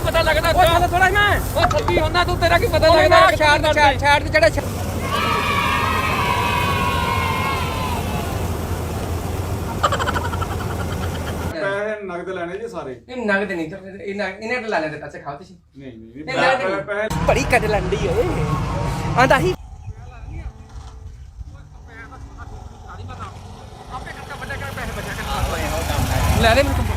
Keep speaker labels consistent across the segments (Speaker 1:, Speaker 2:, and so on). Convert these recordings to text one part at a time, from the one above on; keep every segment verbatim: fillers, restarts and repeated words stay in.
Speaker 1: ਪਤਾ ਲੱਗਦਾ
Speaker 2: ਉਹ ਥੋੜਾ ਮੈਂ
Speaker 1: ਉਹ ਥੱਬੀ ਹੁੰਦਾ ਤੂੰ ਤੇਰਾ ਕੀ ਪਤਾ ਲੱਗਦਾ
Speaker 2: ਛਾੜ ਛਾੜ ਛਾੜ ਤੇ ਜਿਹੜਾ
Speaker 3: ਪੈਸੇ ਨਗਦ ਲੈਣੇ ਜੀ ਸਾਰੇ
Speaker 2: ਇਹ ਨਗਦ ਨਹੀਂ ਇਹ ਇਹਨੇ ਤਾਂ ਲੈ ਲੈਂਦੇ ਪੈਸੇ ਖਾਓ ਤੁਸੀਂ
Speaker 3: ਨਹੀਂ ਨਹੀਂ
Speaker 2: ਨਹੀਂ,
Speaker 3: ਪੈਸੇ
Speaker 2: ਬੜੀ ਕੱਢ ਲੰਡੀ ਓਏ ਆਂਦਾ ਹੀ ਲੈ ਲੈ ਮੈਨੂੰ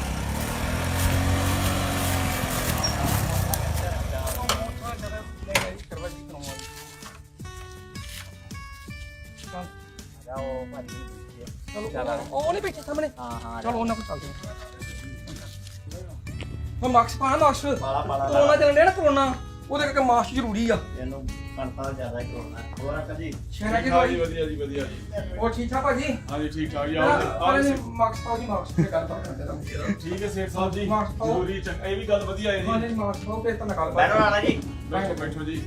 Speaker 2: ਉਹ ਨਹੀਂ ਬੈਠੇ ਸਾਹਮਣੇ ਹਾਂ ਹਾਂ ਚਲੋ ਉਹਨਾਂ ਕੋਲ ਚੱਲਦੇ ਹਾਂ ਮਾਸਕ ਪਾ ਮਾਸਕ ਕਰੋਨਾ ਚੱਲਣ ਡਿਆ ਨਾ ਕਰੋਨਾ ਉਹਦੇ ਕਰਕੇ ਮਾਸਕ ਜ਼ਰੂਰੀ ਆ
Speaker 4: ਇਹਨੂੰ ਕੰਟਰੋਲ ਜ਼ਿਆਦਾ ਕਰੋਨਾ ਹੋਰ ਅੰਕਲ ਜੀ
Speaker 2: ਸ਼ਹਿਰਾਂ ਦੀ
Speaker 3: ਹਾਂਜੀ ਵਧੀਆ ਜੀ ਵਧੀਆ ਜੀ
Speaker 2: ਉਹ ਠੀਕ ਠਾਕ ਭਾਜੀ
Speaker 3: ਹਾਂਜੀ ਠੀਕ ਠਾਕ ਜੀ
Speaker 2: ਆਹ
Speaker 3: ਆਓ ਜੀ
Speaker 2: ਮਾਸਕ ਪਾਓ ਜੀ ਮਾਸਕ ਤੇ ਗੱਲ ਬਾਤ ਕਰਦੇ ਰਹਾਂਗੇ
Speaker 3: ਠੀਕ ਹੈ ਸੇਠ ਸਾਹਿਬ ਜੀ
Speaker 2: ਮਾਸਕ ਪਾਓ।
Speaker 3: ਜ਼ਰੂਰੀ ਚੰਗਾ ਇਹ ਵੀ ਗੱਲ ਵਧੀਆ ਹੈ
Speaker 2: ਹਾਂਜੀ
Speaker 3: ਜੀ
Speaker 2: ਮਾਸਕ ਪਾਓ ਤੇ ਤਾਂ ਗੱਲ
Speaker 4: ਬੈਠੋ ਵਾਲਾ ਜੀ
Speaker 3: ਬੈਠੋ ਬੈਠੋ ਜੀ